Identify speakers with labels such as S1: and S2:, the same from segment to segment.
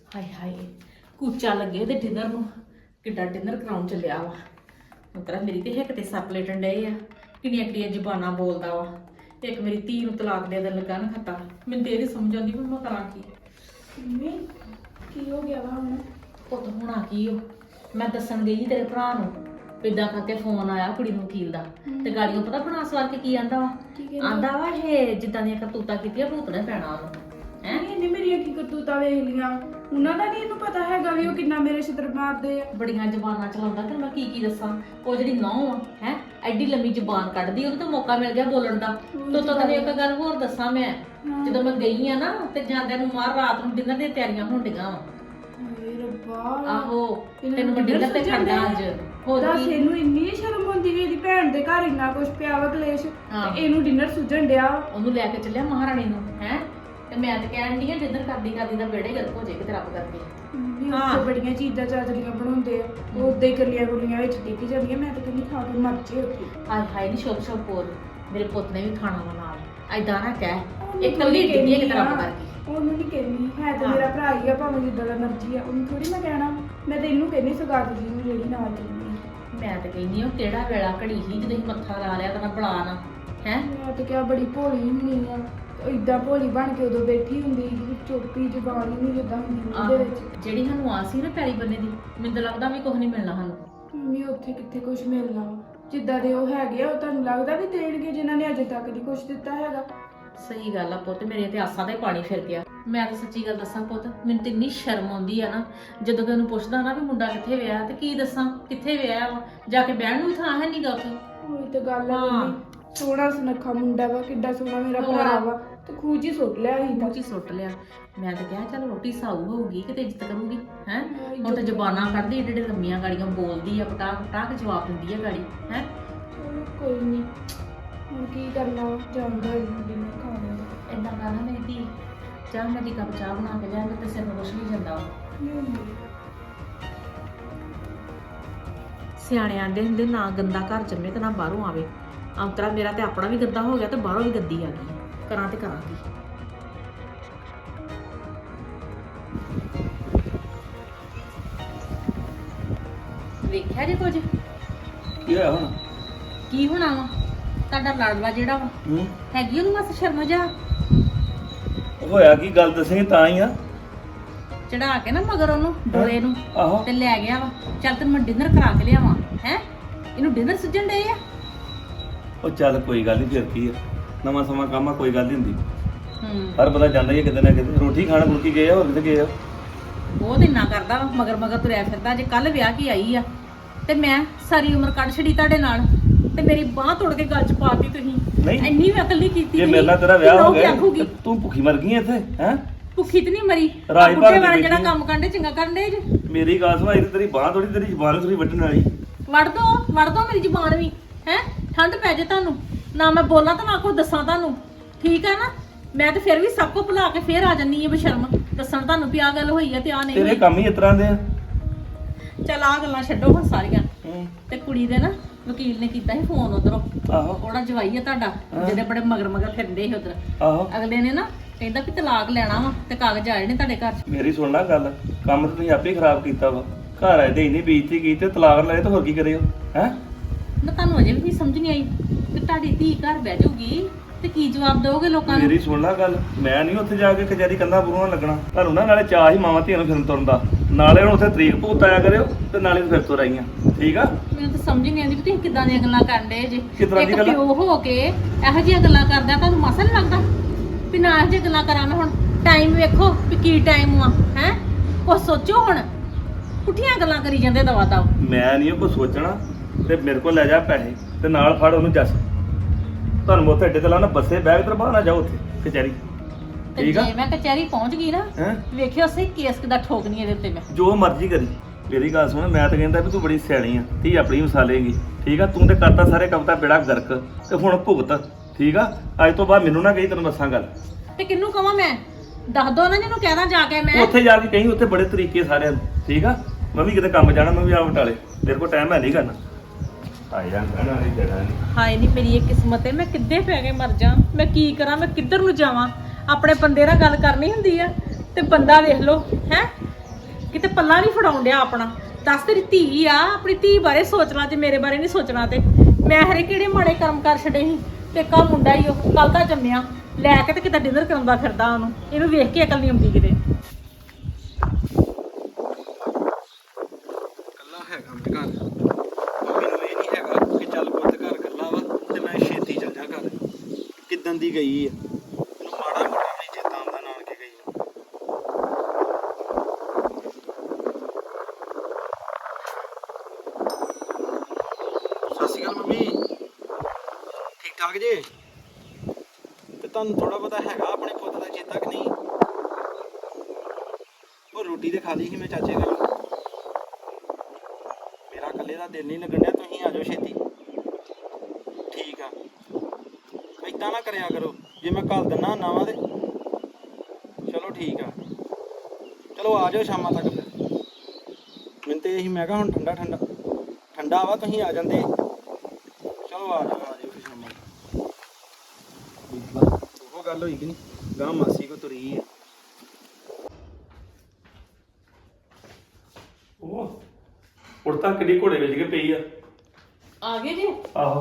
S1: ਹਾਏ ਹਾਏ ਕੂਚਾ ਲੱਗੇ ਤੇ ਡਿਨਰ ਨੂੰ ਕਿੱਡਾ ਡਿਨਰ ਕਰਾਉਣ ਚੱਲਿਆ ਵਾ ਮਤਲਬ ਮੇਰੀ ਤੇ ਹਿੱਕ ਤੇ ਸੱਪ ਲੇਟਣ ਡਏ ਆ ਕਿੰਨੀਆਂ ਕਿੰਨੀਆਂ ਜ਼ਬਾਨਾਂ ਬੋਲਦਾ ਵਾ ਤੇ ਇੱਕ ਮੇਰੀ ਧੀ ਨੂੰ ਤਲਾਕ ਦੇ ਦੇਣ ਲੱਗਾ ਨਾ ਖੱਤਾ ਮੈਨੂੰ ਤੇ ਇਹ ਨੀ ਸਮਝ ਆਉਂਦੀ ਵੀ ਮੈਂ ਕਰਾਂ ਕੀ।
S2: ਮੰਮੀ ਕੀ ਹੋ ਗਿਆ ਵਾ ਹੁਣ?
S1: ਪੁੱਤ ਹੋਣਾ ਕੀ ਹੋ ਮੈਂ ਦੱਸਣ ਗਈ ਸੀ ਤੇਰੇ ਭਰਾ ਨੂੰ ਇਦਾਂ ਕਰਕੇ ਫੋਨ ਆਇਆ ਕੁੜੀ ਨੂੰ ਵਕੀਲ ਦਾ ਤੇ ਗਾੜੀਆਂ ਪਤਾ ਬਣਾ ਸਵਾਰ ਕੇ ਕੀ ਆਂਦਾ ਵਾ ਆਂਦਾ ਵਾ ਇਹ ਜਿੱਦਾਂ ਦੀਆਂ ਕਰਤੂਤਾਂ ਕੀਤੀਆਂ ਭੂਤਣੇ ਪੈਣਾ ਉਹਨੂੰ
S2: ਹੈ ਇਹਨੇ ਮੇਰੀਆਂ ਕੀ ਕਰਤੂਤਾਂ ਵੇਖ ਲੀਆਂ ਉਹਨਾਂ ਦਾ ਨਹੀਂ ਇਹਨੂੰ ਪਤਾ ਹੈਗਾ ਵੀ ਉਹ ਕਿੰਨਾ ਮੇਰੇ ਛਿੱਤਰ ਮਾਰਦੇ ਆ।
S1: ਬੜੀਆਂ ਜ਼ਬਾਨਾਂ ਚਲਾਉਂਦਾ ਤੇ ਮੈਂ ਕੀ ਦੱਸਾਂ ਉਹ ਜਿਹੜੀ ਨੌਂ ਆ ਹੈ ਐਡੀ ਲੰਮੀ ਜ਼ਬਾਨ ਕੱਢਦੀ ਉਹਨੂੰ ਤਾਂ ਮੌਕਾ ਮਿਲ ਗਿਆ ਬੋਲਣ ਦਾ ਤੋ ਤੈਨੂੰ ਇੱਕ ਗੱਲ ਹੋਰ ਦੱਸਾਂ ਮੈਂ ਜਦੋਂ ਮੈਂ ਗਈ ਆ ਨਾ ਤੇ ਜਾਂਦਿਆਂ ਨੂੰ ਮਾਰ ਰਾਤ ਨੂੰ ਡਿਨਰ ਦੀਆਂ ਤਿਆਰੀਆਂ ਹੋਣ ਡੀਆਂ ਵਾ।
S2: ਹਾਏ ਰੱਬਾ
S1: ਆਹੋ ਤੈਨੂੰ ਮੈਂ ਡਿਨਰ ਤੇ ਖੜਦਾ ਅੱਜ ਹੋਰ
S2: ਦੱਸ
S1: ਕੀ
S2: ਇਹਨੂੰ ਇੰਨੀ ਸ਼ਰਮ ਹੁੰਦੀ ਵੀ ਇਹਦੀ ਭੈਣ ਦੇ ਘਰ ਇੰਨਾ ਕੁਝ ਪਿਆ ਵਾ ਕਲੇਸ਼ ਤੇ ਇਹਨੂੰ ਡਿਨਰ ਸੁਝਣ ਡਿਆ।
S1: ਉਹਨੂੰ ਲੈ ਕੇ ਚੱਲਿਆ ਮਹਾਰਾਣੀ ਨੂੰ ਹੈ ਤੇ ਮੈਂ ਤਾਂ ਕਹਿਣ ਡਈ ਆ ਡਿਨਰ ਕਰਦੀ ਕਰਦੀ ਦਾ ਬੇੜੇ ਗਰਕ ਹੋ ਜਾਏ ਕਿਤੇ ਰੱਬ ਕਰਕੇ।
S2: ਮੰਮੀ ਉੱਥੇ ਬੜੀਆਂ ਚੀਜ਼ਾਂ ਚਾਚੜੀਆਂ ਬਣਾਉਂਦੇ ਆ ਉਹ ਉਦਾਂ ਹੀ ਕੱਲੀਆਂ ਗੁੱਲੀਆਂ ਵਿੱਚ ਡਿੱਗ ਜਾਂਦੀਆਂ ਮੈਂ ਤਾਂ ਕਹਿੰਦੀ ਖਾ ਕੇ ਮਰ ਜੇ ਉੱਥੇ।
S1: ਹਾਏ ਹਾਏ ਨੀ ਸ਼ੋਕ ਸ਼ੋਕ ਬੋਲ ਮੇਰੇ ਪੁੱਤ ਨੇ ਵੀ ਖਾਣਾ ਵਾ ਨਾਲ ਐਦਾਂ ਨਾ ਕਹਿ ਇਹ ਕੱਲੀ ਡਿੱਗੀ ਆ ਕਿਤੇ ਰੱਬ ਕਰਕੇ।
S2: ਉਹਨੂੰ ਨਹੀਂ ਕਹਿਣੀ ਹੈ ਤੇ ਮੇਰਾ ਭਰਾ ਹੀ ਆ ਭਾਵੇਂ ਜਿੱਦਾਂ ਦਾ ਮਰਜ਼ੀ ਆ ਉਹਨੂੰ ਥੋੜੀ ਮੈਂ ਕਹਿਣਾ ਮੈਂ ਤੇ ਇਹਨੂੰ ਕਹਿੰਦੀ ਸਗਾਤ ਜੀ ਨੂੰ ਜਿਹੜੀ ਨਾਲ ਕਹਿੰਦੀ।
S1: ਮੈਂ ਤਾਂ ਕਹਿੰਦੀ ਉਹ ਕਿਹੜਾ ਵੇਲਾ ਘੜੀ ਸੀ ਜਦੋਂ ਅਸੀਂ ਮੱਥਾ ਲਾ ਲਿਆ ਤਾਂ ਮੈਂ ਬੁਲਾ ਨਾ ਹੈ।
S2: ਮੈਂ ਤਾਂ ਕਿਹਾ ਬੜੀ ਭੋਲੀ ਹੁੰਦੀ ਆ ਇਦਾਂ ਭੋਲੀ ਬਣ ਕੇ ਉਦੋਂ ਬੈਠੀ ਹੁੰਦੀ ਸੀ ਚੁੱਪੀ ਜ਼ਬਾਨ ਹੀ ਨਹੀਂ ਜਿੱਦਾਂ ਹੁੰਦੀ ਉਹਦੇ ਵਿੱਚ।
S1: ਜਿਹੜੀ ਸਾਨੂੰ ਆਸ ਸੀ ਨਾ ਪੈਰੀ ਬੰਨੇ ਦੀ ਮੈਨੂੰ ਤਾਂ ਲੱਗਦਾ ਵੀ ਕੁਝ ਨਹੀਂ ਮਿਲਣਾ ਸਾਨੂੰ।
S2: ਮੰਮੀ ਉੱਥੇ ਕਿੱਥੇ ਕੁਝ ਮਿਲਣਾ ਵਾ ਜਿੱਦਾਂ ਦੇ ਉਹ ਹੈਗੇ ਆ ਉਹ ਤੁਹਾਨੂੰ ਲੱਗਦਾ ਵੀ ਦੇਣਗੇ ਜਿਨ੍ਹਾਂ ਨੇ ਅਜੇ ਤੱਕ ਨਹੀਂ ਕੁਝ ਦਿੱਤਾ ਹੈਗਾ।
S1: ਸਹੀ ਗੱਲ ਆ ਪੁੱਤ ਮੇਰੇ ਤੇ ਆਸਾਂ ਦਾ ਹੀ ਪਾਣੀ ਫਿਰ ਗਿਆ। ਮੈਂ ਤਾਂ ਸੱਚੀ ਗੱਲ ਦੱਸਾਂ ਪੁੱਤ ਮੈਨੂੰ ਤੇ ਇੰਨੀ ਸ਼ਰਮ ਆਉਂਦੀ ਆ ਨਾ ਜਦੋਂ ਕਿ ਉਹਨੂੰ ਪੁੱਛਦਾ ਨਾ ਵੀ ਮੁੰਡਾ ਕਿੱਥੇ ਵਿਆਹ ਤੇ ਕੀ ਦੱਸਾਂ ਕਿੱਥੇ ਵਿਆਹ ਵਾ ਜਾ ਕੇ ਬਹਿਣ ਨੂੰ ਥਾਂ ਹੈ ਨਹੀਂਗਾ ਉੱਥੇ।
S2: ਉਹੀ ਤਾਂ ਗੱਲ ਆ ਮੰਮੀ ਸੋਹਣਾ ਸੁਨੱਖਾ ਮੁੰਡਾ ਵਾ ਕਿੱਡਾ ਸੋਹਣਾ ਮੇਰਾ ਭਰਾ ਵਾ ਤੇ ਖੂਜੀ ਸੁੱਟ ਲਿਆ ਸੀ
S1: ਮੂੰਹ 'ਚ ਸੁੱਟ ਲਿਆ। ਮੈਂ ਤਾਂ ਕਿਹਾ ਚੱਲ ਰੋਟੀ ਸਾਊ ਹੋਊਗੀ ਕਿਤੇ ਇੱਜ਼ਤ ਕਰੂਗੀ ਹੈ ਹੁਣ ਤਾਂ ਜ਼ਬਾਨਾਂ ਕੱਢਦੀ ਏਡੇ ਲੰਮੀਆਂ ਗਾੜੀਆਂ ਬੋਲਦੀ ਆ ਪਟਾ ਪਟਾ ਜਵਾਬ ਦਿੰਦੀ ਆ ਗਾੜੀ ਹੈ।
S2: ਕੋਈ ਨਹੀਂ ਹੁਣ ਕੀ ਕਰਨਾ ਜਾਂਦਾ ਡਿਨਰ ਖਾਣਾ।
S1: ਏਦਾਂ ਕਰਨਾ ਮੇਰੀ ਧੀ ਚਾਹ ਮੈਂ ਦੀ ਕੱਪ ਚਾਹ ਬਣਾ ਕੇ ਲਿਆ ਮੈਂ ਤੇ ਸਿਰ ਨੂੰ ਕੁਛ ਨਹੀਂ ਜਾਂਦਾ। ਸਿਆਣੇ ਆਂਦੇ ਹੁੰਦੇ ਨਾ ਗੰਦਾ ਘਰ ਜੰਮੇ ਤੇ ਨਾ ਬਾਹਰੋਂ ਆਵੇ। ਅੰਤਰਾ ਮੇਰਾ ਤੇ ਆਪਣਾ ਵੀ ਗੰਦਾ ਹੋ ਗਿਆ ਤੇ ਬਾਹਰੋਂ ਵੀ ਗੰਦੀ ਆ ਗਈ ਕਰਾਂ ਤੇ ਕਰਾਂਗੀ। ਵੇਖਿਆ ਜੇ ਕੁਝ
S3: ਕੀ ਹੋਇਆ ਹੁਣ?
S1: ਕੀ ਹੋਣਾ ਵਾ ਤੁਹਾਡਾ ਲੜਵਾ ਜਿਹੜਾ ਵਾ ਹੈਗੀ ਉਹਨੂੰ ਬਸ ਸ਼ਰਮ ਜਾ
S3: ਹੋਇਆ ਕੀ ਗੱਲ ਦੱਸੇਂਗੇ ਤਾਂ ਹੀ ਆ।
S1: ਚੜਾ ਕੇ ਨਾ ਮਗਰ ਉਹਨੂੰ ਡੋਲੇ ਨੂੰ
S3: ਆਹੋ
S1: ਤੇ ਲੈ ਗਿਆ ਵਾ। ਚੱਲ ਤੈਨੂੰ ਮੈਂ ਡਿਨਰ ਕਰਾ ਕੇ ਲਿਆਵਾਂ ਹੈ ਇਹਨੂੰ ਡਿਨਰ ਸੁਝਣ ਡਏ ਆ।
S3: ਉਹ ਚੱਲ ਕੋਈ ਗੱਲ ਨਹੀਂ ਫਿਰ ਕੀ ਆ ਨਵਾਂ ਸਮਾਂ ਕੰਮ ਆ ਕੋਈ ਗੱਲ ਨਹੀਂ ਹੁੰਦੀ।
S1: ਹੂੰ
S3: ਹਰ ਬੰਦਾ ਜਾਂਦਾ ਹੀ ਆ ਕਿਤੇ ਨਾ ਕਿਤੇ ਰੋਟੀ ਖਾਣ ਮੁਲਕੀ ਗਏ ਆ ਹੋਰ ਕਿਤੇ ਗਏ ਆ।
S1: ਬਹੁਤ ਇੰਨਾ ਕਰਦਾ ਵਾ ਮਗਰ ਮਗਰ ਤੁਰਿਆ ਫਿਰਦਾ। ਜੇ ਕੱਲ ਵਿਆਹ ਕੀ ਆਈ ਆ ਤੇ ਮੈਂ ਸਾਰੀ ਉਮਰ ਕੱਢ ਛੜੀ ਤੁਹਾਡੇ ਨਾਲ ਤੇ ਮੇਰੀ ਬਾਹ ਤੋੜ ਕੇ ਗੱਲ ਚ ਪਾਤੀ ਤੁਸੀਂ।
S3: ਨਹੀਂ
S1: ਇੰਨੀ ਵੀ ਅਕਲ ਨਹੀਂ ਕੀਤੀ
S3: ਜੇ ਮੇਰੇ ਨਾਲ ਤੇਰਾ ਵਿਆਹ ਹੋ ਗਿਆ
S1: ਆਖੂਗੀ
S3: ਤੇ ਤੂੰ ਭੁੱਖੀ ਮਰ ਗਈ ਇੱਥੇ ਹੈ।
S1: ਭੁੱਖੀ ਤੇ ਨਹੀਂ ਮਰੀ
S3: ਰਾਜ
S1: ਬੁੱਢੇ
S3: ਭਾਰਤ
S1: ਵਾਲਾ
S3: ਦੀ
S1: ਜਿਹੜਾ
S3: ਬੇਟੀ
S1: ਕੰਮ ਕਰਦੇ ਚੰਗਾ ਕਰਨ ਦੇ ਜੇ।
S3: ਮੇਰੀ ਗੱਲ ਸੁਣ ਤੇਰੀ ਬਾਹ ਥੋੜੀ ਤੇਰੀ ਜ਼ਬਾਨ ਥੋੜੀ ਵੱਢਣ ਵਾਲੀ।
S1: ਵੜ ਦੋ ਮੇਰੀ ਜ਼ੁਬਾਨ ਵੀ ਹੈ ਠੰਡ ਪੈ ਜੇ ਤੁਹਾਨੂੰ ਨਾ ਮੈਂ ਬੋਲਾਂ ਤਾਂ ਨਾ ਕੋਈ ਦੱਸਾਂ ਤੁਹਾਨੂੰ ਠੀਕ ਆ ਨਾ। ਮੈਂ ਤੇ ਫਿਰ ਵੀ ਸਭ ਕੋ ਭੁਲਾ ਕੇ ਫੇਰ ਆ ਜੰਨੀ ਆ ਬਸ਼ਰਮ ਦੱਸਣ ਤੁਹਾਨੂੰ ਵੀ ਆ ਗੱਲ ਹੋਈ ਆ ਤੇ ਆ ਨਹੀਂ
S3: ਤੇਰੇ
S1: ਹੋਈ।
S3: ਕੰਮ ਹੀ ਇਸ ਤਰ੍ਹਾਂ ਦੇ ਆ।
S1: ਚੱਲ ਆ ਗੱਲਾਂ ਛੱਡੋ ਹੁਣ ਸਾਰੀਆਂ ਤੇ ਕੁੜੀ ਦੇ ਨਾ ਵਕੀਲ ਨੇ ਕੀਤਾ ਸੀ ਫੋਨ ਉਧਰੋਂ
S3: ਆਹੋ
S1: ਉਹਦਾ ਜਵਾਈ ਆ ਤੁਹਾਡਾ ਜਿਹਦੇ ਬੜੇ ਮਗਰ ਮਗਰ ਫਿਰਦੇ ਸੀ ਉਧਰ
S3: ਆਹੋ
S1: ਅਗਲੇ ਨੇ ਨਾ ਕਹਿੰਦਾ ਵੀ ਤਲਾਕ ਲੈਣਾ ਵਾ ਤੇ ਕਾਗਜ਼ ਆਏ ਨੇ ਤੁਹਾਡੇ ਘਰ 'ਚ।
S3: ਮੇਰੀ ਸੁਣ ਲੈ ਗੱਲ ਕੰਮ ਤਾਂ ਤੁਸੀਂ ਆਪੇ ਖਰਾਬ ਕੀਤਾ ਵਾ। ਘਰ ਆਏ ਤੇ ਇੰਨੀ ਬੇਇੱਜ਼ਤੀ ਕੀਤੀ ਤੇ ਤਲਾਕ ਲਏ ਤਾਂ ਹੋਰ ਕੀ ਕਰਿਓ ਹੈ।
S1: ਨਾ ਤੁਹਾਨੂੰ ਅਜੇ ਵੀ ਸਮਝ ਨਹੀਂ ਆਈ ਕਿ ਤੁਹਾਡੀ ਧੀ ਘਰ ਬਹਿ ਜਾਊਗੀ ਤੇ ਕੀ ਜਵਾਬ ਦਿਓਗੇ ਲੋਕਾਂ ਨੂੰ।
S3: ਮੇਰੀ ਸੁਣ ਲੈ ਗੱਲ ਮੈਂ ਨਹੀਂ ਉੱਥੇ ਜਾ ਕੇ ਕਚਹਿਰੀ ਕੰਧਾਂ ਬੁਰੂਆਂ ਲੱਗਣਾ। ਤੁਹਾਨੂੰ ਨਾ ਨਾਲੇ ਚਾਹ ਹੀ ਮਾਵਾਂ ਧੀਆਂ ਨੂੰ ਫਿਰਨ ਤੁਰਨ ਦਾ ਨਾਲੇ ਹੁਣ ਉੱਥੇ ਤਰੀਕ ਭੂਤ ਆਇਆ ਕਰਿਓ ਤੇ ਨਾਲੇ ਫਿਰ ਤੁਰ ਆਈਆਂ ਠੀਕ ਆ।
S1: ਮੈਨੂੰ ਤਾਂ ਸਮਝ ਨਹੀਂ ਆਉਂਦੀ ਵੀ ਤੁਸੀਂ ਕਿੱਦਾਂ ਦੀਆਂ ਗੱਲਾਂ ਕਰਨ ਡਏ ਜੇ।
S3: ਕਿੱਦਾਂ ਦੀ
S1: ਇੱਕ
S3: ਗੱਲਾਂ?
S1: ਪਿਓ ਹੋ ਕੇ ਇਹੋ ਜਿਹੀਆਂ ਗੱਲਾਂ ਕਰਦਾ ਤੁਹਾਨੂੰ ਮਾਸਾ ਨਹੀਂ ਲੱਗਦਾ ਵੀ ਨਾ ਇਹੋ ਜਿਹੀਆਂ ਗੱਲਾਂ ਕਰਾਂ ਮੈਂ। ਹੁਣ ਟਾਈਮ ਵੇਖੋ ਵੀ ਕੀ ਟਾਈਮ ਆ ਹੈ ਕੁਛ ਸੋਚੋ ਹੁਣ ਪੁੱਠੀਆਂ ਗੱਲਾਂ ਕਰੀ ਜਾਂਦੇ ਦਵਾ ਦਵ।
S3: ਮੈਂ ਨਹੀਂ ਉਹ ਕੁਛ ਸੋਚਣਾ ਤੇ ਮੇਰੇ ਕੋਲ ਲੈ ਜਾ ਪੈਸੇ ਤੇ ਨਾਲ ਫੜ ਉਹਨੂੰ ਜੱਸ ਤੁਹਾਨੂੰ ਮੈਂ ਉੱਥੇ ਅੱਡੇ ਤੇ ਲਾਉਣਾ ਬੱਸੇ ਬੈਗ ਤੇ ਬਾਹਰ ਨਾ ਜਾਓ ਉੱਥੇ ਕਚਹਿਰੀ
S1: ਤੇ
S3: ਠੀਕ ਆ।
S1: ਜੇ ਮੈਂ ਕਚਹਿਰੀ ਪਹੁੰਚ ਗਈ ਨਾ
S3: ਹੈਂ
S1: ਵੇਖਿਓ ਸਹੀ ਕੇਸ ਕਿੱਦਾਂ ਠੋਕਣੀ ਇਹਦੇ ਉੱਤੇ ਮੈਂ।
S3: ਜੋ ਮਰਜ਼ੀ ਕਰੀ ਮੇਰੀ ਗੱਲ ਸੁਣ ਮੈਂ ਤਾਂ ਕਹਿੰਦਾ ਵੀ ਤੂੰ ਬੜੀ ਸਿਆਣੀ ਆ ਧੀ ਆਪਣੀ ਮਸਾਲੇਗੀ ਠੀਕ ਆ। ਤੂੰ ਤੇ ਕਰਤਾ ਸਾਰੇ ਕਵਤਾ ਬੇੜਾ ਗਰਕ ਤੇ ਹੁਣ ਭੁਗਤ ਠੀਕ ਆ। ਅੱਜ ਤੋਂ ਬਾਅਦ ਮੈਨੂੰ ਨਾ ਕਹੀ ਤੈਨੂੰ ਦੱਸਾਂ ਗੱਲ
S1: ਤੇ ਕਿਹਨੂੰ ਕਵਾਂ ਮੈਂ ਦੱਸ ਦੋ ਨਾ ਜਿਹਨੂੰ ਕਹਿਣਾ ਜਾ ਕੇ ਮੈਂ।
S3: ਉੱਥੇ ਜਾ ਕੇ ਕਹੀਂ ਉੱਥੇ ਬੜੇ ਤਰੀਕੇ ਸਾਰਿਆਂ ਨੂੰ ਠੀਕ ਆ। ਮੈਂ ਵੀ ਕਿਤੇ ਕੰਮ ਜਾਣਾ ਮੈਂ ਵੀ ਆ ਬਟਾਲੇ ਤੇਰੇ ਕੋਲ ਟਾਈਮ ਹੈ ਨਹੀਂ ਕਰਨਾ ਆਈ ਜਾਂ ਕਹਿਣਾ ਨਹੀਂ ਦੇਣਾ ਨਹੀਂ।
S1: ਹਾਏ ਨਹੀਂ ਮੇਰੀ ਇਹ ਕਿਸਮਤ ਹੈ ਮੈਂ ਕਿੱਦੇ ਪੈ ਕੇ ਮਰ ਜਾ। ਮੈਂ ਕੀ ਕਰਾਂ ਮੈਂ ਕਿੱਧਰ ਨੂੰ ਜਾਵਾਂ। ਆਪਣੇ ਬੰਦੇ ਨਾਲ ਗੱਲ ਕਰਨੀ ਹੁੰਦੀ ਆ ਤੇ ਬੰਦਾ ਵੇਖ ਲਓ ਹੈ ਕਿਤੇ ਪੱਲਾ ਨਹੀਂ ਫੜਾਉਣ ਡਿਆ ਆਪਣਾ। ਦੱਸ ਤੇਰੀ ਧੀ ਆ, ਆਪਣੀ ਧੀ ਬਾਰੇ ਸੋਚਣਾ ਤੇ ਮੇਰੇ ਬਾਰੇ ਨਹੀਂ ਸੋਚਣਾ। ਤੇ ਮੈਂ ਹਰੇ ਕਿਹੜੇ ਮਾੜੇ ਕੰਮ ਕਰ ਛੱਡੇ ਸੀ। ਤੇ ਕਾ ਮੁੰਡਾ ਹੀ ਉਹ ਕੱਲ ਦਾ ਜੰਮਿਆ, ਲੈ ਕੇ ਤੇ ਕਿਤੇ ਡਿਨਰ ਕਰਾਉਂਦਾ ਫਿਰਦਾ ਉਹਨੂੰ। ਇਹਨੂੰ ਵੇਖ ਕੇ ਅਕਲ ਨਹੀਂ ਆਉਂਦੀ ਕਿਤੇ।
S4: ਕੱਲਾ ਹੈਗਾ ਮੈਂ ਘਰ, ਮੈਨੂੰ ਇਹ ਨਹੀਂ ਹੈਗਾ ਕਿ ਚੱਲ ਪੁੱਤ ਘਰ ਕੱਲਾ ਵਾ ਤੇ ਮੈਂ ਛੇਤੀ ਚੱਲ ਜਾ ਘਰ। ਕਿੱਦਣ ਦੀ ਗਈ ਆ, ਮੈਨੂੰ ਮਾੜਾ ਮੋਟਾ ਨਹੀਂ ਚੇਤਾ ਆਉਂਦਾ ਨਾਨਕੇ ਗਈ ਨੂੰ। ਸਤਿ ਸ਼੍ਰੀ ਅਕਾਲ ਮੰਮੀ, ਠੀਕ ਠਾਕ ਜੇ? ਤੇ ਤੁਹਾਨੂੰ ਥੋੜਾ ਪਤਾ ਹੈਗਾ ਆਪਣੇ ਪੁੱਤ ਦਾ ਚੇਤਾ ਕਿ ਨਹੀਂ? ਉਹ ਰੋਟੀ ਤੇ ਖਾ ਲਈ ਸੀ ਮੈਂ ਚਾਚੇ ਕੋਲ। ਮੇਰਾ ਇਕੱਲੇ ਦਾ ਦਿਲ ਨਹੀਂ ਲੱਗਣ ਡਿਆ, ਤੁਸੀਂ ਆ ਜਾਓ ਛੇਤੀ। ਠੀਕ ਆ, ਏਦਾਂ ਨਾ ਕਰਿਆ ਕਰੋ, ਜੇ ਮੈਂ ਘੱਲ ਦਿੰਦਾ ਨਾ ਵਾ ਤੇ ਚਲੋ ਠੀਕ ਆ। ਚਲੋ ਆ ਜਾਓ ਸ਼ਾਮਾਂ ਤੱਕ ਫਿਰ। ਮੈਨੂੰ ਤੇ ਇਹੀ ਮੈਂ ਕਿਹਾ ਹੁਣ ਠੰਡਾ ਠੰਡਾ ਠੰਡਾ ਵਾ, ਤੁਸੀਂ ਆ ਜਾਂਦੇ। ਚਲੋ ਆ ਜਾਓ ਫਿਰ ਸ਼ਾਮਾਂ ਤੱਕ। ਉਹ ਗੱਲ ਹੋਈ ਕਿ ਨਹੀਂ, ਗਾਂ ਮਾਸੀ ਕੋ ਤੁਰੀ ਆ।
S3: ਉਹ ਉੜਤਾ ਕਿੱਡੀ ਘੋੜੇ ਵਿੱਚ ਕੇ ਪਈ ਆ।
S1: ਆ ਗਏ ਜੀ?
S3: ਆਹੋ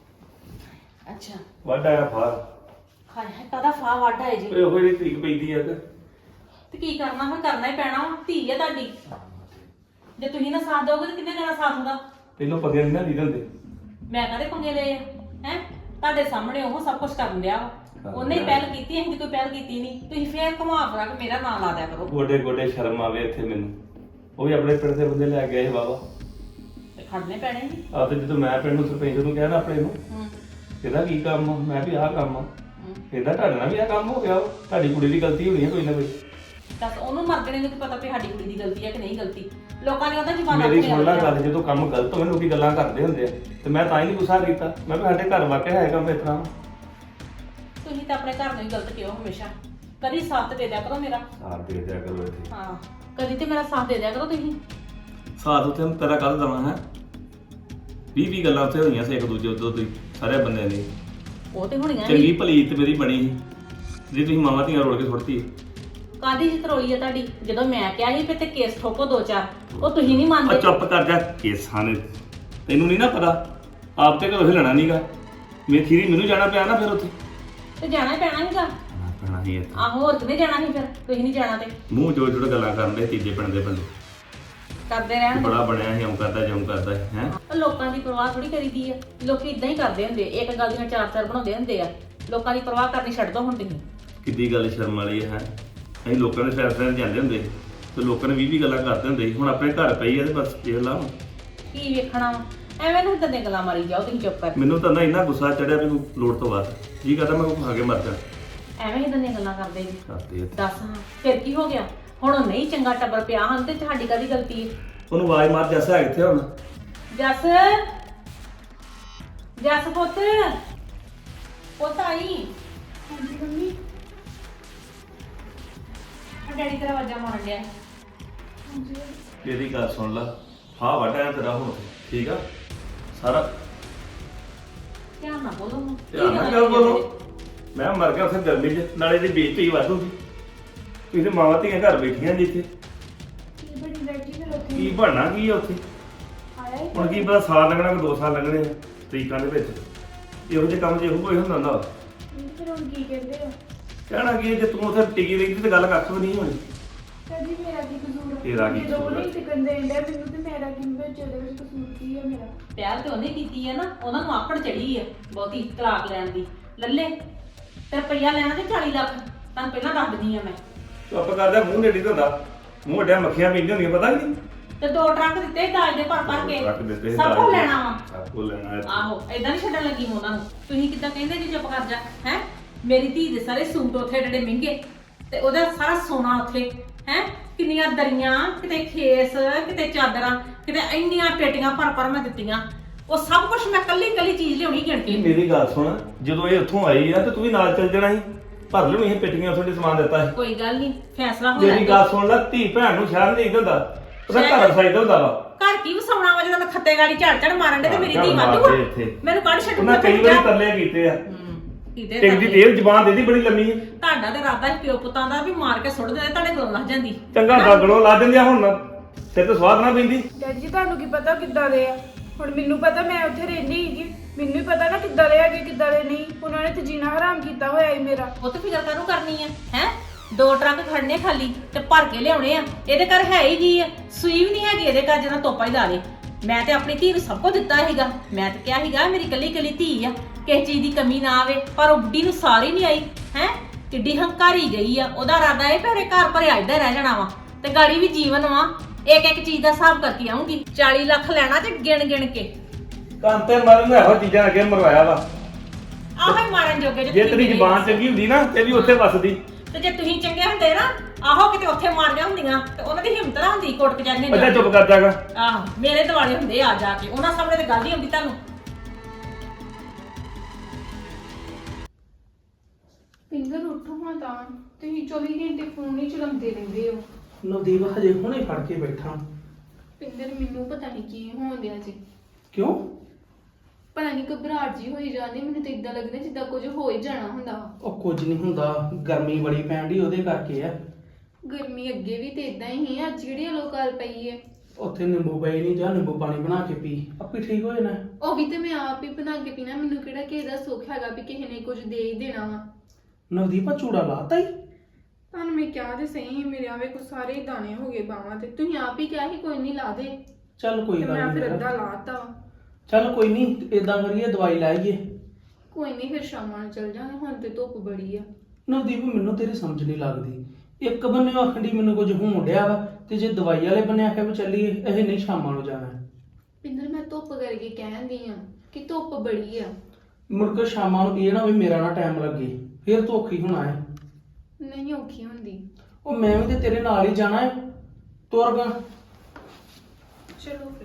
S1: ਅੱਛਾ,
S3: ਵੱਡਾ ਆ ਫਾਰ।
S1: ਹਾਏ ਹਾਏ, ਕਾਹਦਾ ਫਾਹ ਵੱਢ ਆਏ ਜੀ?
S3: ਓਏ ਉਹ ਜਿਹੜੀ ਤਰੀਕ ਪੈਂਦੀ ਆ
S1: ਤੇ ਕੀ ਕਰਨਾ, ਮੈਂ ਕਰਨਾ ਹੀ ਪੈਣਾ ਵਾ। ਧੀ ਆ ਤੁਹਾਡੀ, ਜੇ ਤੁਸੀਂ ਨਾ ਸਾਥ ਦੋਗੇ ਤੇ ਕਿੰਨੇ ਦੇਣਾ ਸਾਥ ਹੁੰਦਾ?
S3: ਤੈਨੂੰ ਪਗੇ ਨਹੀਂ ਨਾ ਦੀ ਦਿੰਦੇ।
S1: ਮੈਂ ਕਹਦੇ ਪੰਗੇ ਲਏ ਆ ਹੈ? ਤੁਹਾਡੇ ਸਾਹਮਣੇ ਉਹ ਸਭ ਕੁਝ ਕਰਨ ਡਿਆ ਵਾ। ਉਹਨੇ ਹੀ ਪਹਿਲ ਕੀਤੀ, ਅਸੀਂ ਕੋਈ ਪਹਿਲ ਕੀਤੀ ਨਹੀਂ। ਤੁਸੀਂ ਫੇਰ ਘੁਮਾ ਫਰਾ ਕੇ ਮੇਰਾ ਨਾਂ ਲਾ ਦਿਆ ਕਰੋ।
S3: ਗੋਡੇ ਗੋਡੇ ਸ਼ਰਮ ਆਵੇ ਇੱਥੇ ਮੈਨੂੰ। ਉਹ ਵੀ ਆਪਣੇ ਪਿੰਡ ਦੇ ਬੰਦੇ ਲੈ ਕੇ ਆਏ ਬਾਬਾ।
S1: ਤੇ ਖੜਨੇ ਪੈਣੇ ਜੀ।
S3: ਆ ਤੇ ਜਦੋਂ ਮੈਂ ਪਿੰਡ ਨੂੰ ਸਰਪੰਚ ਨੂੰ ਕਿਹਾ ਨਾ ਆਪਣੇ ਨੂੰ, ਇਹਦਾ ਕੀ ਕੰਮ ਆ? ਮੈਂ ਵੀ ਆਹ ਕੰਮ ਆ। ਇਹਦਾ ਤੁਹਾਡੇ ਨਾਲ ਵੀ ਆਹ ਕੰਮ ਹੋ ਗਿਆ। ਤੁਹਾਡੀ ਕੁੜੀ ਦੀ ਗਲਤੀ ਹੋਣੀ ਹੈ ਕੋਈ ਨਾ ਕੋਈ।
S1: ਦੱਸ ਉਹਨੂੰ ਮਰਦਣੇ ਨੂੰ ਕੀ ਪਤਾ ਵੀ ਸਾਡੀ ਕੁੜੀ ਦੀ ਗਲਤੀ ਹੈ ਕਿ ਨਹੀਂ ਗਲਤੀ। ਲੋਕਾਂ ਨੇ ਉਹਦਾ ਜਵਾਨ
S3: ਮੇਰੀ ਸੁਣ ਲੈ ਗੱਲ, ਜਦੋਂ ਕੰਮ ਗਲਤ ਹੋਵੇ ਲੋਕੀ ਗੱਲਾਂ ਕਰਦੇ ਹੁੰਦੇ ਆ ਤੇ ਮੈਂ ਤਾਂ ਹੀ ਨਹੀਂ ਗੁੱਸਾ ਕੀਤਾ। ਮੈਂ ਵੀ ਸਾਡੇ ਘਰ ਵਾਕਿਆ ਹੈ ਕੰਮ ਇਸ ਤਰ੍ਹਾਂ।
S1: ਤੁਸੀਂ ਤਾਂ ਆਪਣੇ ਘਰ ਨੂੰ ਹੀ ਗਲਤ ਕਿਉਂ ਹਮੇਸ਼ਾ? ਕਦੀ ਸਾਥ ਦੇ ਦਿਆ ਕਰੋ ਮੇਰਾ।
S3: ਸਾਥ ਦੇ ਦਿਆ ਕਰੋ ਇੱਥੇ।
S1: ਹਾਂ, ਕਦੀ ਤੇ ਮੇਰਾ ਸਾਥ ਦੇ ਦਿਆ ਕਰੋ ਤੁਸੀਂ।
S3: ਸਾਥ ਉੱਥੇ ਮੈਂ ਤੇਰਾ ਕੱਲ ਦਵਾਂ ਹੈ। 20 ਗੱਲਾਂ ਉੱਥੇ ਹੋਈਆਂ ਸੀ ਇੱਕ ਦੂਜੇ ਉੱਤੇ ਤੁਸੀਂ ਸਾਰੇ ਬੰਦਿਆਂ ਦੀ।
S1: ਉਹ ਤੇ ਹੋਣੀਆਂ
S3: ਚੰਗੀ ਭਲੀ ਤੇ ਮੇਰੀ ਬਣੀ ਸੀ ਜੇ ਤੁਸੀਂ ਮਾਵਾਂ ਧੀਆਂ ਰੋੜ ਕੇ ਸੁੱਟਤੀ।
S1: ਕਾਦੀ ਜਿੱਤ ਰੋਈ ਆ ਤੁਹਾਡੀ? ਜਦੋਂ ਮੈਂ ਕਿਹਾ ਸੀ ਕਿ ਤੇ ਕੇਸ ਠੋਕੋ 2-4, ਉਹ ਤੁਸੀਂ ਨਹੀਂ
S3: ਆ
S1: ਮੰਨਦੇ।
S3: ਚੁੱਪ ਕਰ ਜਾ। ਕੇਸਾਂ ਨੇ ਤੈਨੂੰ ਨਹੀਂ ਨਾ ਪਤਾ, ਆਪ ਤੇ ਘਰੋਂ ਹਿਲਣਾ ਨਹੀਂਗਾ। ਮੇਰੀ ਥੀਰੀ ਮੈਨੂੰ ਜਾਣਾ ਪਿਆ ਨਾ ਫਿਰ ਉੱਥੇ।
S1: ਤੇ ਜਾਣਾ ਹੀ ਪੈਣਾ ਸੀਗਾ।
S3: ਪੈਣਾ ਸੀ ਇੱਥੇ।
S1: ਆਹੋ, ਹੋਰ ਕਿਨੇ ਜਾਣਾ ਸੀ ਫਿਰ? ਤੁਸੀਂ ਨਹੀਂ ਜਾਣਾ ਤੇ
S3: ਮੂੰਹ ਜੋੜ ਜੋੜ ਗੱਲਾਂ ਕਰਨ ਦੇ ਤੀਜੇ ਪਿੰਡ ਦੇ ਬੰਦੇ।
S1: ਕਰਦੇ ਰਹਿਣ।
S3: ਬੜਾ ਬਣਿਆ ਸੀ, ਇਉਂ ਕਰਦਾ ਜਿਉਂ ਕਰਦਾ ਹੈ।
S1: ਉਹ ਲੋਕਾਂ ਦੀ ਪਰਵਾਹ ਥੋੜੀ ਕਰੀਦੀ ਆ। ਲੋਕੀ ਇਦਾਂ ਹੀ ਕਰਦੇ ਹੁੰਦੇ, ਇੱਕ ਗੱਲ ਦੀਆਂ 4-4 ਬਣਾਉਂਦੇ ਹੁੰਦੇ ਆ। ਲੋਕਾਂ ਦੀ ਪਰਵਾਹ ਕਰਨੀ ਛੱਡ ਦੋ ਹੁਣ ਤੁਸੀਂ।
S3: ਕਿੱਡੀ ਗੱਲ ਸ਼ਰਮ ਵਾਲੀ ਹੈ। ਅਸੀਂ ਲੋਕਾਂ ਦੇ ਫੈਸਲਿਆਂ 'ਤੇ ਜਾਂਦੇ ਹੁੰਦੇ ਸੀ ਤੇ ਲੋਕਾਂ ਨੇ 20 ਗੱਲਾਂ ਕਰਦੇ ਹੁੰਦੇ ਸੀ। ਹੁਣ ਆਪਣੇ ਘਰ ਪਈ ਆ ਤੇ ਬਸ ਦੇਖ ਲਾ।
S1: ਕੀ ਵੇਖਣਾ ਵਾ? ਐਵੇਂ ਨੂੰ ਇਦਾਂ ਦੀਆਂ ਗੱਲਾਂ ਮਾਰੀ ਜਾਓ, ਤੁਸੀਂ ਚੁੱਪ ਕਰ।
S3: ਮੈਨੂੰ ਤਾਂ ਨਾ ਇੰਨਾ ਗੁੱਸਾ ਚੜਿਆ ਵੀ ਲੋੜ ਤੋਂ ਬਾਅਦ ਜੀ ਕਰਦਾ ਮੈਂ ਕੋਈ ਖਾ ਕੇ ਮਰ ਜਾ।
S1: ਐਵੇਂ ਇਦਾਂ ਦੀਆਂ ਗੱਲਾਂ ਕਰਦੇ ਜੀ।
S3: ਕਰਦੇ
S1: ਦੱਸ ਹਾਂ, ਫਿਰ ਕੀ ਹੋ ਗਿਆ? ਹੁਣ ਉਹ ਨਹੀਂ ਚੰਗਾ ਟੱਬਰ ਪਿਆ ਹਨ ਤੇ ਤੁਹਾਡੀ ਕਾਹਦੀ ਗਲਤੀ ਹੈ?
S3: ਉਹਨੂੰ ਆਵਾਜ਼ ਮਾਰ ਜੱਸ ਹੈ ਕਿੱਥੇ ਹੁਣ?
S1: ਜੱਸ, ਜੱਸ ਪੁੱਤ, ਪੁੱਤ ਆਈ।
S2: ਹਾਂਜੀ ਮੰਮੀ।
S1: ਆ ਡੈਡੀ ਤੇਰਾ ਆਵਾਜ਼ਾਂ ਮਾਰਨ ਡਿਆ।
S2: ਹਾਂਜੀ
S3: ਇਹਦੀ ਗੱਲ ਸੁਣ ਲਾ। ਹਾਂ ਵਾਟਾ ਤੇਰਾ ਹੁਣ ਠੀਕ ਆ ਸਾਰਾ।
S1: ਧਿਆਨ ਨਾਲ ਬੋਲੋ ਹੁਣ।
S3: ਧਿਆਨ ਨਾਲ ਕਿਉਂ ਬੋਲੋ? ਮੈਂ ਮਰ ਗਿਆ ਉੱਥੇ ਗਰਮੀ 'ਚ, ਨਾਲੇ ਦੀ ਬੇਇੱਜ਼ਤੀ ਵਾਧੂਗੀ। ਤੁਸੀਂ ਤੇ ਮਾਵਾਂ ਧੀਆਂ ਘਰ ਬੈਠੀਆਂ ਜੀ ਇੱਥੇ।
S2: ਕੀ ਬੜੀ ਡੈਡੀ ਫਿਰ ਉੱਥੇ
S3: ਕੀ ਬਣਨਾ ਕੀ ਆ ਉੱਥੇ?
S2: ਆਇਆ ਹੀ
S3: ਹੁਣ ਕੀ ਪਤਾ ਸਾਲ ਲੱਗਣਾ ਕਿ 2 ਸਾਲ ਲੱਗਣੇ ਆ ਤਰੀਕਾਂ ਦੇ ਵਿੱਚ। ਇਹੋ ਜਿਹੇ ਕੰਮ 'ਚ ਇਹੋ ਕੋਈ ਹੁੰਦਾ ਹੁੰਦਾ।
S2: ਫਿਰ ਹੁਣ ਕੀ ਕਹਿੰਦੇ ਆ?
S3: ਕਹਿਣਾ ਕੀ ਹੈ, ਜੇ ਤੂੰ ਉੱਥੇ ਟਿਕੀ ਰਹਿੰਦੀ ਤੇ ਗੱਲ ਕੱਖ ਵੀ ਨਹੀਂ ਹੋਣੀ।
S2: ਕਦੀ ਮੇਰਾ ਕੀ ਕਸੂਰ?
S3: ਤੇਰਾ ਕੀ
S2: ਜਦੋਂ
S3: ਕਸੂਰ?
S2: ਨਹੀਂ ਟਿਕਣ ਦੇਣ ਡਿਆ ਮੈਨੂੰ ਤੇ ਮੇਰਾ ਕੀ ਵਿੱਚ ਉਹਦੇ ਵਿੱਚ ਕਸੂਰ ਕੀ ਆ ਮੇਰਾ?
S1: ਪਿਆਰ ਤੇ ਉਹਨੇ ਕੀਤੀ ਹੈ ਨਾ, ਉਹਨਾਂ ਨੂੰ ਆਕੜ ਚੜੀ ਹੈ ਬਹੁਤੀ ਤਲਾਕ ਲੈਣ ਦੀ। ਲੱਲੇ ਤੇ ਰੁਪਈਆ ਲੈਣਾ ਤੇ 40 ਲੱਖ। ਤੁਹਾਨੂੰ ਪਹਿਲਾਂ ਦੱਸ ਦਿੰਦੀ ਆ ਮੈਂ।
S3: ਚੁੱਪ ਕਰਦਾ, ਮੂੰਹ ਨੇੜੀ ਹੁੰਦਾ। ਮੂੰਹ ਅੱਡਿਆ ਮੱਖੀਆਂ ਪੀਂਦੀਆਂ ਹੁੰਦੀਆਂ, ਪਤਾ ਨਹੀਂ।
S1: ਤੇ 2 ਟਰੱਕ ਦਿੱਤੇ ਦਾਜ ਦੇ ਭਰ ਭਰ ਕੇ।
S3: ਰੱਖ ਦਿੱਤੇ
S1: ਸਭ ਕੁਝ ਲੈਣਾ ਵਾ।
S3: ਸਭ ਕੁਝ ਲੈਣਾ ਹੈ।
S1: ਆਹੋ, ਏਦਾਂ ਨਹੀਂ ਛੱਡਣ ਲੱਗੀ ਮੈਂ ਉਹਨਾਂ ਨੂੰ। ਤੁਸੀਂ ਕਿੱਦਾਂ ਕਹਿੰਦੇ ਜੀ ਚੁੱਪ ਕਰ ਜਾ ਹੈ? ਮੇਰੀ ਧੀ ਦੇ ਸਾਰੇ ਸੂਟ ਉੱਥੇ ਏਡੇ ਮਹਿੰਗੇ ਤੇ ਉਹਦਾ ਸਾਰਾ ਸੋਨਾ ਉੱਥੇ ਹੈ। ਕਿੰਨੀਆਂ ਦਰੀਆਂ, ਕਿਤੇ ਖੇਸ, ਕਿਤੇ ਚਾਦਰਾਂ, ਕਿਤੇ ਇੰਨੀਆਂ ਪੇਟੀਆਂ ਭਰ ਭਰ ਮੈਂ ਦਿੱਤੀਆਂ। ਉਹ ਸਭ ਕੁਝ ਮੈਂ ਕੱਲੀ ਚੀਜ਼ ਲਿਆਉਣੀ ਗਿਣ ਕੇ।
S3: ਮੇਰੀ ਗੱਲ ਸੁਣ, ਜਦੋਂ ਇਹ ਉੱਥੋਂ ਆਈ ਆ ਤੇ ਤੂੰ ਵੀ ਨਾਲ ਚੱਲ ਜਾਣਾ ਸੀ। ਭਰ ਲਿਓ ਇਹ ਪੇਟੀਆਂ ਤੁਹਾਡੇ ਸਮਾਨ ਦਿੱਤਾ ਸੀ।
S1: ਕੋਈ ਗੱਲ ਨਹੀਂ, ਫੈਸਲਾ ਹੋ
S3: ਮੇਰੀ ਗੱਲ ਸੁਣ ਲੈ, ਧੀ ਭੈਣ ਨੂੰ ਸ਼ਹਿਰ ਨਹੀਂ ਹੁੰਦਾ, ਉਹਦਾ ਘਰ ਵਸਾਈਦਾ ਹੁੰਦਾ ਵਾ।
S1: ਘਰ ਕੀ ਵਸਾਉਣਾ ਵਾ ਜਦੋਂ ਮੈਂ ਖੱਤੇ ਗਾੜੀ ਝੜ ਮਾਰਨ ਦੇ ਤੇ ਮੇਰੀ ਧੀ
S3: ਝੜ
S1: ਵਾਧੂ
S3: ਮਾਰਦੇ
S1: ਆ।
S3: ਇੱਥੇ।
S1: ਮੈਨੂੰ ਕੱਢ ਛੱਡੂ।
S3: ਉਹਨਾਂ ਕਈ ਵਾਰੀ ਤਰਲੇ ਕੀਤੇ ਆ
S1: ਕਿਤੇ
S3: ਟਿਕ ਦੀ ਤੇਲ ਜ਼ਬਾਨ ਦੇਦੀ ਬੜੀ ਲੰਮੀ ਹੈ।
S1: ਤੁਹਾਡਾ ਤੇ ਇਰਾਦਾ ਸੀ ਪਿਓ ਪੁੱਤਾਂ ਦਾ ਵੀ ਮਾਰ ਕੇ ਸੁੱਟ ਦਿੰਦੇ, ਤੁਹਾਡੇ ਕੋਲੋਂ ਲੱਗ ਜਾਂਦੀ।
S3: ਚੰਗਾ ਦਾਗਣੋਂ ਲਾ ਦਿੰਦੇ ਆ, ਹੁਣ ਸਿਰ ਤੇ ਸਵਾਦ ਨਾ ਪੈਂਦੀ।
S2: ਡੈਡੀ ਜੀ ਤੁਹਾਨੂੰ ਕੀ ਪਤਾ ਕਿੱਦਾਂ ਦੇ ਆ? ਹੁਣ ਮੈਨੂੰ ਪਤਾ, ਮੈਂ ਉੱਥੇ ਰਹਿੰਦੀ ਸੀਗੀ, ਮੈਨੂੰ ਹੀ ਪਤਾ ਨਾ ਕਿੱਦਾਂ ਦੇ ਹੈਗੇ ਕਿੱਦਾਂ ਦੇ ਨਹੀਂ। ਉਹਨਾਂ ਨੇ ਤੇ ਜੀਣਾ ਹਰਾਮ ਕੀਤਾ ਹੋਇਆ ਹੀ ਮੇਰਾ।
S1: ਉਹ ਤੇ ਫਿਕਰ ਕਾਹਨੂੰ ਕਰਨੀ ਆ ਹੈ? 2 ਟਰੱਕ ਖੜਨੇ ਖਾਲੀ ਤੇ ਭਰ ਕੇ ਲਿਆਉਣੇ ਆ। ਇਹਦੇ ਘਰ ਹੈ ਹੀ ਕੀ ਆ? ਸੂਈ ਵੀ ਨਹੀਂ ਹੈਗੀ ਇਹਦੇ ਘਰ ਜਿਹਦਾ ਤੋਪਾ ਹੀ ਲਾ ਲੇ। ਮੈਂ ਤੇ ਆਪਣੀ ਧੀ ਨੂੰ ਸਭ ਕੁਝ ਦਿੱਤਾ ਸੀਗਾ, ਮੈਂ ਤੇ ਕਿਹਾ ਸੀਗਾ ਮੇਰੀ ਕੱਲੀ ਕੱਲੀ ਧੀ ਆ, ਕਿਸੇ ਚੀਜ਼ ਦੀ ਕਮੀ ਨਾ ਆਵੇ, ਪਰ ਉਹ ਬੁੱਢੀ ਨੂੰ ਸਾਰੀ ਨਹੀਂ ਆਈ ਹੈ। ਕਿੱਡੀ ਹੰਕਾਰੀ ਗਈ ਆ। ਉਹਦਾ ਇਰਾਦਾ ਇਹ ਭਰੇ ਘਰ ਭਰਿਆ ਇੱਧਰ ਰਹਿ ਜਾਣਾ ਵਾ ਤੇ ਗਾੜੀ ਵੀ ਜੀਵਨ ਵਾ। ਇੱਕ ਇੱਕ ਚੀਜ਼ ਦਾ ਹਿਸਾਬ ਕਰਕੇ ਆਉਂਗੀ। 40 ਲੱਖ ਲੈਣਾ ਤੇ ਗਿਣ ਗਿਣ ਕੇ।
S3: ਕੰਤੇ ਮਰਨ ਨੂੰ ਇਹੋ ਚੀਜ਼ਾਂ ਅੱਗੇ ਮਰਵਾਇਆ ਵਾ।
S1: ਆਹੋ ਹੀ ਮਾਰਨ ਜੋਗੇ
S3: ਜੇ ਤੇਰੀ ਜ਼ਬਾਨ ਚੰਗੀ ਹੁੰਦੀ ਨਾ ਤੇ ਵੀ ਉੱਥੇ ਵੱਸਦੀ।
S1: ਤੇ ਜੇ ਤੁਸੀਂ ਚੰਗੇ ਹੁੰਦੇ ਨਾ, ਆਹੋ ਕਿਤੇ ਉੱਥੇ ਮਾਰੀਆਂ ਹੁੰਦੀਆਂ ਤੇ ਉਹਨਾਂ ਦੀ ਹਿੰਮਤ ਨਾ ਹੁੰਦੀ ਕੋਰਟ ਕਚਹਿਰੀਆਂ
S3: ਅੱਛਾ ਚੁੱਪ ਕਰ ਜਾਗਾ।
S1: ਆਹੋ ਮੇਰੇ ਦਿਵਾਲੇ ਹੁੰਦੇ ਆ ਜਾ ਕੇ, ਉਹਨਾਂ ਸਾਹਮਣੇ ਤੇ ਗੱਲ ਹੀ ਹੁੰਦੀ ਤੁਹਾਨੂੰ।
S2: ਪਿੰਦਰ ਉੱਠੋ ਹਾਂ ਤਾਂ, ਤੁਸੀਂ 24 ਘੰਟੇ ਫੋਨ ਹੀ ਚਲਾਉਂਦੇ ਰਹਿੰਦੇ ਹੋ।
S5: ਨਵਦੀਪ ਹਜੇ ਹੁਣੇ ਫੜ ਕੇ ਬੈਠਾ।
S2: ਪਿੰਦਰ ਮੈਨੂੰ ਪਤਾ ਨਹੀਂ ਕੀ ਹੋਣ ਡਿਆ ਜੀ।
S5: ਕਿਉਂ?
S2: ਪਤਾ ਨਹੀਂ ਘਬਰਾਹਟ ਜੀ ਹੋਈ ਜਾਂਦੀ, ਮੈਨੂੰ ਤਾਂ ਇਦਾਂ ਲੱਗਦਾ ਜਿੱਦਾਂ ਕੁਝ ਹੋ ਹੀ ਜਾਣਾ ਹੁੰਦਾ ਵਾ।
S5: ਉਹ ਕੁਝ ਨਹੀਂ ਹੁੰਦਾ, ਗਰਮੀ ਬੜੀ ਪੈਣ ਡਈ ਉਹਦੇ ਕਰਕੇ ਆ।
S2: ਗਰਮੀ ਅੱਗੇ ਵੀ ਤੇ ਇਦਾਂ ਹੀ ਹੈ, ਅੱਜ ਜਿਹੜੀ ਲੋਕਾਲ ਪਈ ਹੈ।
S5: ਉੱਥੇ ਨਿੰਬੂ ਪਏ ਨਹੀਂ, ਜਾਂ ਨਿੰਬੂ ਪਾਣੀ ਬਣਾ ਕੇ ਪੀ, ਆਪੇ ਠੀਕ ਹੋ ਜਾਣਾ।
S2: ਉਹ ਵੀ ਤੇ ਮੈਂ ਆਪ ਹੀ ਬਣਾ ਕੇ ਪੀਣਾ, ਮੈਨੂੰ ਕਿਹੜਾ ਕਿਸੇ ਦਾ ਸੁੱਖ ਹੈਗਾ ਵੀ ਕਿਸੇ ਨੇ ਕੁਝ ਦੇ ਹੀ ਦੇਣਾ ਵਾ।
S5: ਨਵਦੀਪ ਆ ਚੂੜਾ ਲਾਤਾ ਹੀ।
S2: ਤੁਹਾਨੂੰ ਮੈਂ ਕਿਹਾ ਤੇ ਸਹੀ, ਮੇਰੇ ਆਵੇ ਕੋ ਸਾਰੇ ਹੀ ਦਾਣੇ ਹੋ ਗਏ ਬਾਹਾਂ ਤੇ। ਤੁਸੀਂ ਆਪ ਹੀ ਕਿਹਾ ਸੀ ਕੋਈ ਨਹੀਂ ਲਾ ਦੇ,
S5: ਚੱਲ ਕੋਈ
S2: ਤੇ
S5: ਗੱਲ
S2: ਮੈਂ ਫਿਰ
S5: ਨਹੀਂ।
S2: ਅੱਧਾ ਲਾਤਾ ਵਾ।
S5: ਚੱਲ ਕੋਈ ਨਹੀਂ, ਏਦਾਂ ਕਰੀਏ ਦਵਾਈ ਲੈ ਆਈਏ।
S2: ਕੋਈ ਨਹੀਂ ਫਿਰ ਸ਼ਾਮਾਂ ਨੂੰ ਚੱਲ ਜਾਵਾਂਗੇ, ਹੁਣ ਤੇ ਧੁੱਪ ਬੜੀ ਆ।
S5: ਨਵਦੀਪ ਮੈਨੂੰ ਤੇਰੀ ਸਮਝ ਨਹੀਂ ਲੱਗਦੀ। ਇੱਕ ਬੰਨੇ ਆਖਣ ਡਈ ਮੈਨੂੰ ਕੁਝ ਹੋਣ ਡਿਆ ਵਾ, ਤੇ ਜੇ ਦਵਾਈ ਵਾਲੇ ਬੰਨੇ ਆਖਿਆ ਵੀ ਚੱਲੀਏ, ਇਹ ਨਹੀਂ ਸ਼ਾਮਾਂ ਨੂੰ ਜਾਣਾ।
S2: ਪਿੰਦਰ ਮੈਂ ਧੁੱਪ ਕਰਕੇ ਕਹਿੰਦੀ ਆ ਕਿ ਧੁੱਪ ਬੜੀ ਆ।
S5: ਮੁੜ ਕੇ ਸ਼ਾਮਾਂ ਨੂੰ ਇਹ ਨਾ ਵੀ ਮੇਰਾ ਨਾ ਟਾਈਮ ਲੱਗੇ, ਫਿਰ ਤੂੰ ਔਖੀ ਹੋਣਾ ਹੈ।
S2: ਨਹੀਂ ਔਖੀ ਹੁੰਦੀ।
S5: ਉਹ ਮੈਂ ਵੀ ਤੇ ਤੇਰੇ ਨਾਲ ਹੀ ਜਾਣਾ ਹੈ, ਤੁਰ ਗਾ।
S2: ਚਲੋ ਫਿਰ।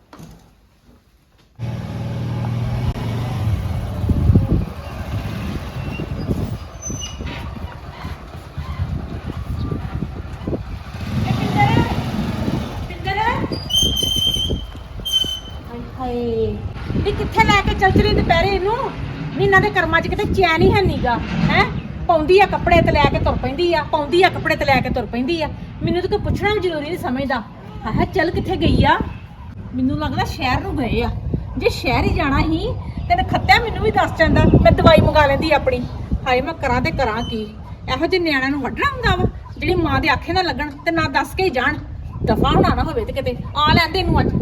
S1: ਹਾਏ ਵੀ ਕਿੱਥੇ ਲੈ ਕੇ ਚੱਲ ਚਲੀ ਦੁਪਹਿਰੇ ਇਹਨੂੰ? ਮਹੀਨਾ ਦੇ ਕਰਮਾਂ 'ਚ ਕਿਤੇ ਚੈਨ ਹੀ ਹੈ ਨੀਗਾ ਹੈ। ਪਾਉਂਦੀ ਆ ਕੱਪੜੇ ਤੇ ਲੈ ਕੇ ਤੁਰ ਪੈਂਦੀ ਆ, ਪਾਉਂਦੀ ਆ ਕੱਪੜੇ ਤੇ ਲੈ ਕੇ ਤੁਰ ਪੈਂਦੀ ਆ। ਮੈਨੂੰ ਤਾਂ ਕੋਈ ਪੁੱਛਣਾ ਵੀ ਜ਼ਰੂਰੀ ਨਹੀਂ ਸਮਝਦਾ। ਹਾਂ ਚੱਲ ਕਿੱਥੇ ਗਈ ਆ? ਮੈਨੂੰ ਲੱਗਦਾ ਸ਼ਹਿਰ ਨੂੰ ਗਏ ਆ। ਜੇ ਸ਼ਹਿਰ ਹੀ ਜਾਣਾ ਸੀ ਤੇ ਖੱਤਿਆ ਮੈਨੂੰ ਵੀ ਦੱਸ ਜਾਂਦਾ, ਮੈਂ ਦਵਾਈ ਮੰਗਾ ਲੈਂਦੀ ਆਪਣੀ। ਹਾਏ ਮੈਂ ਕਰਾਂ ਤੇ ਕਰਾਂ ਕੀ? ਇਹੋ ਜਿਹੇ ਨਿਆਣਿਆਂ ਨੂੰ ਵੱਢਣਾ ਹੁੰਦਾ ਵਾ ਜਿਹੜੀ ਮਾਂ ਦੇ ਆਖੇ ਨਾ ਲੱਗਣ ਤੇ ਨਾ ਦੱਸ ਕੇ ਹੀ ਜਾਣ। ਦਫਾ ਹੋਣਾ ਨਾ ਹੋਵੇ ਤੇ ਕਿਤੇ ਆ ਲੈਂਦੇ ਇਹਨੂੰ ਅੱਜ।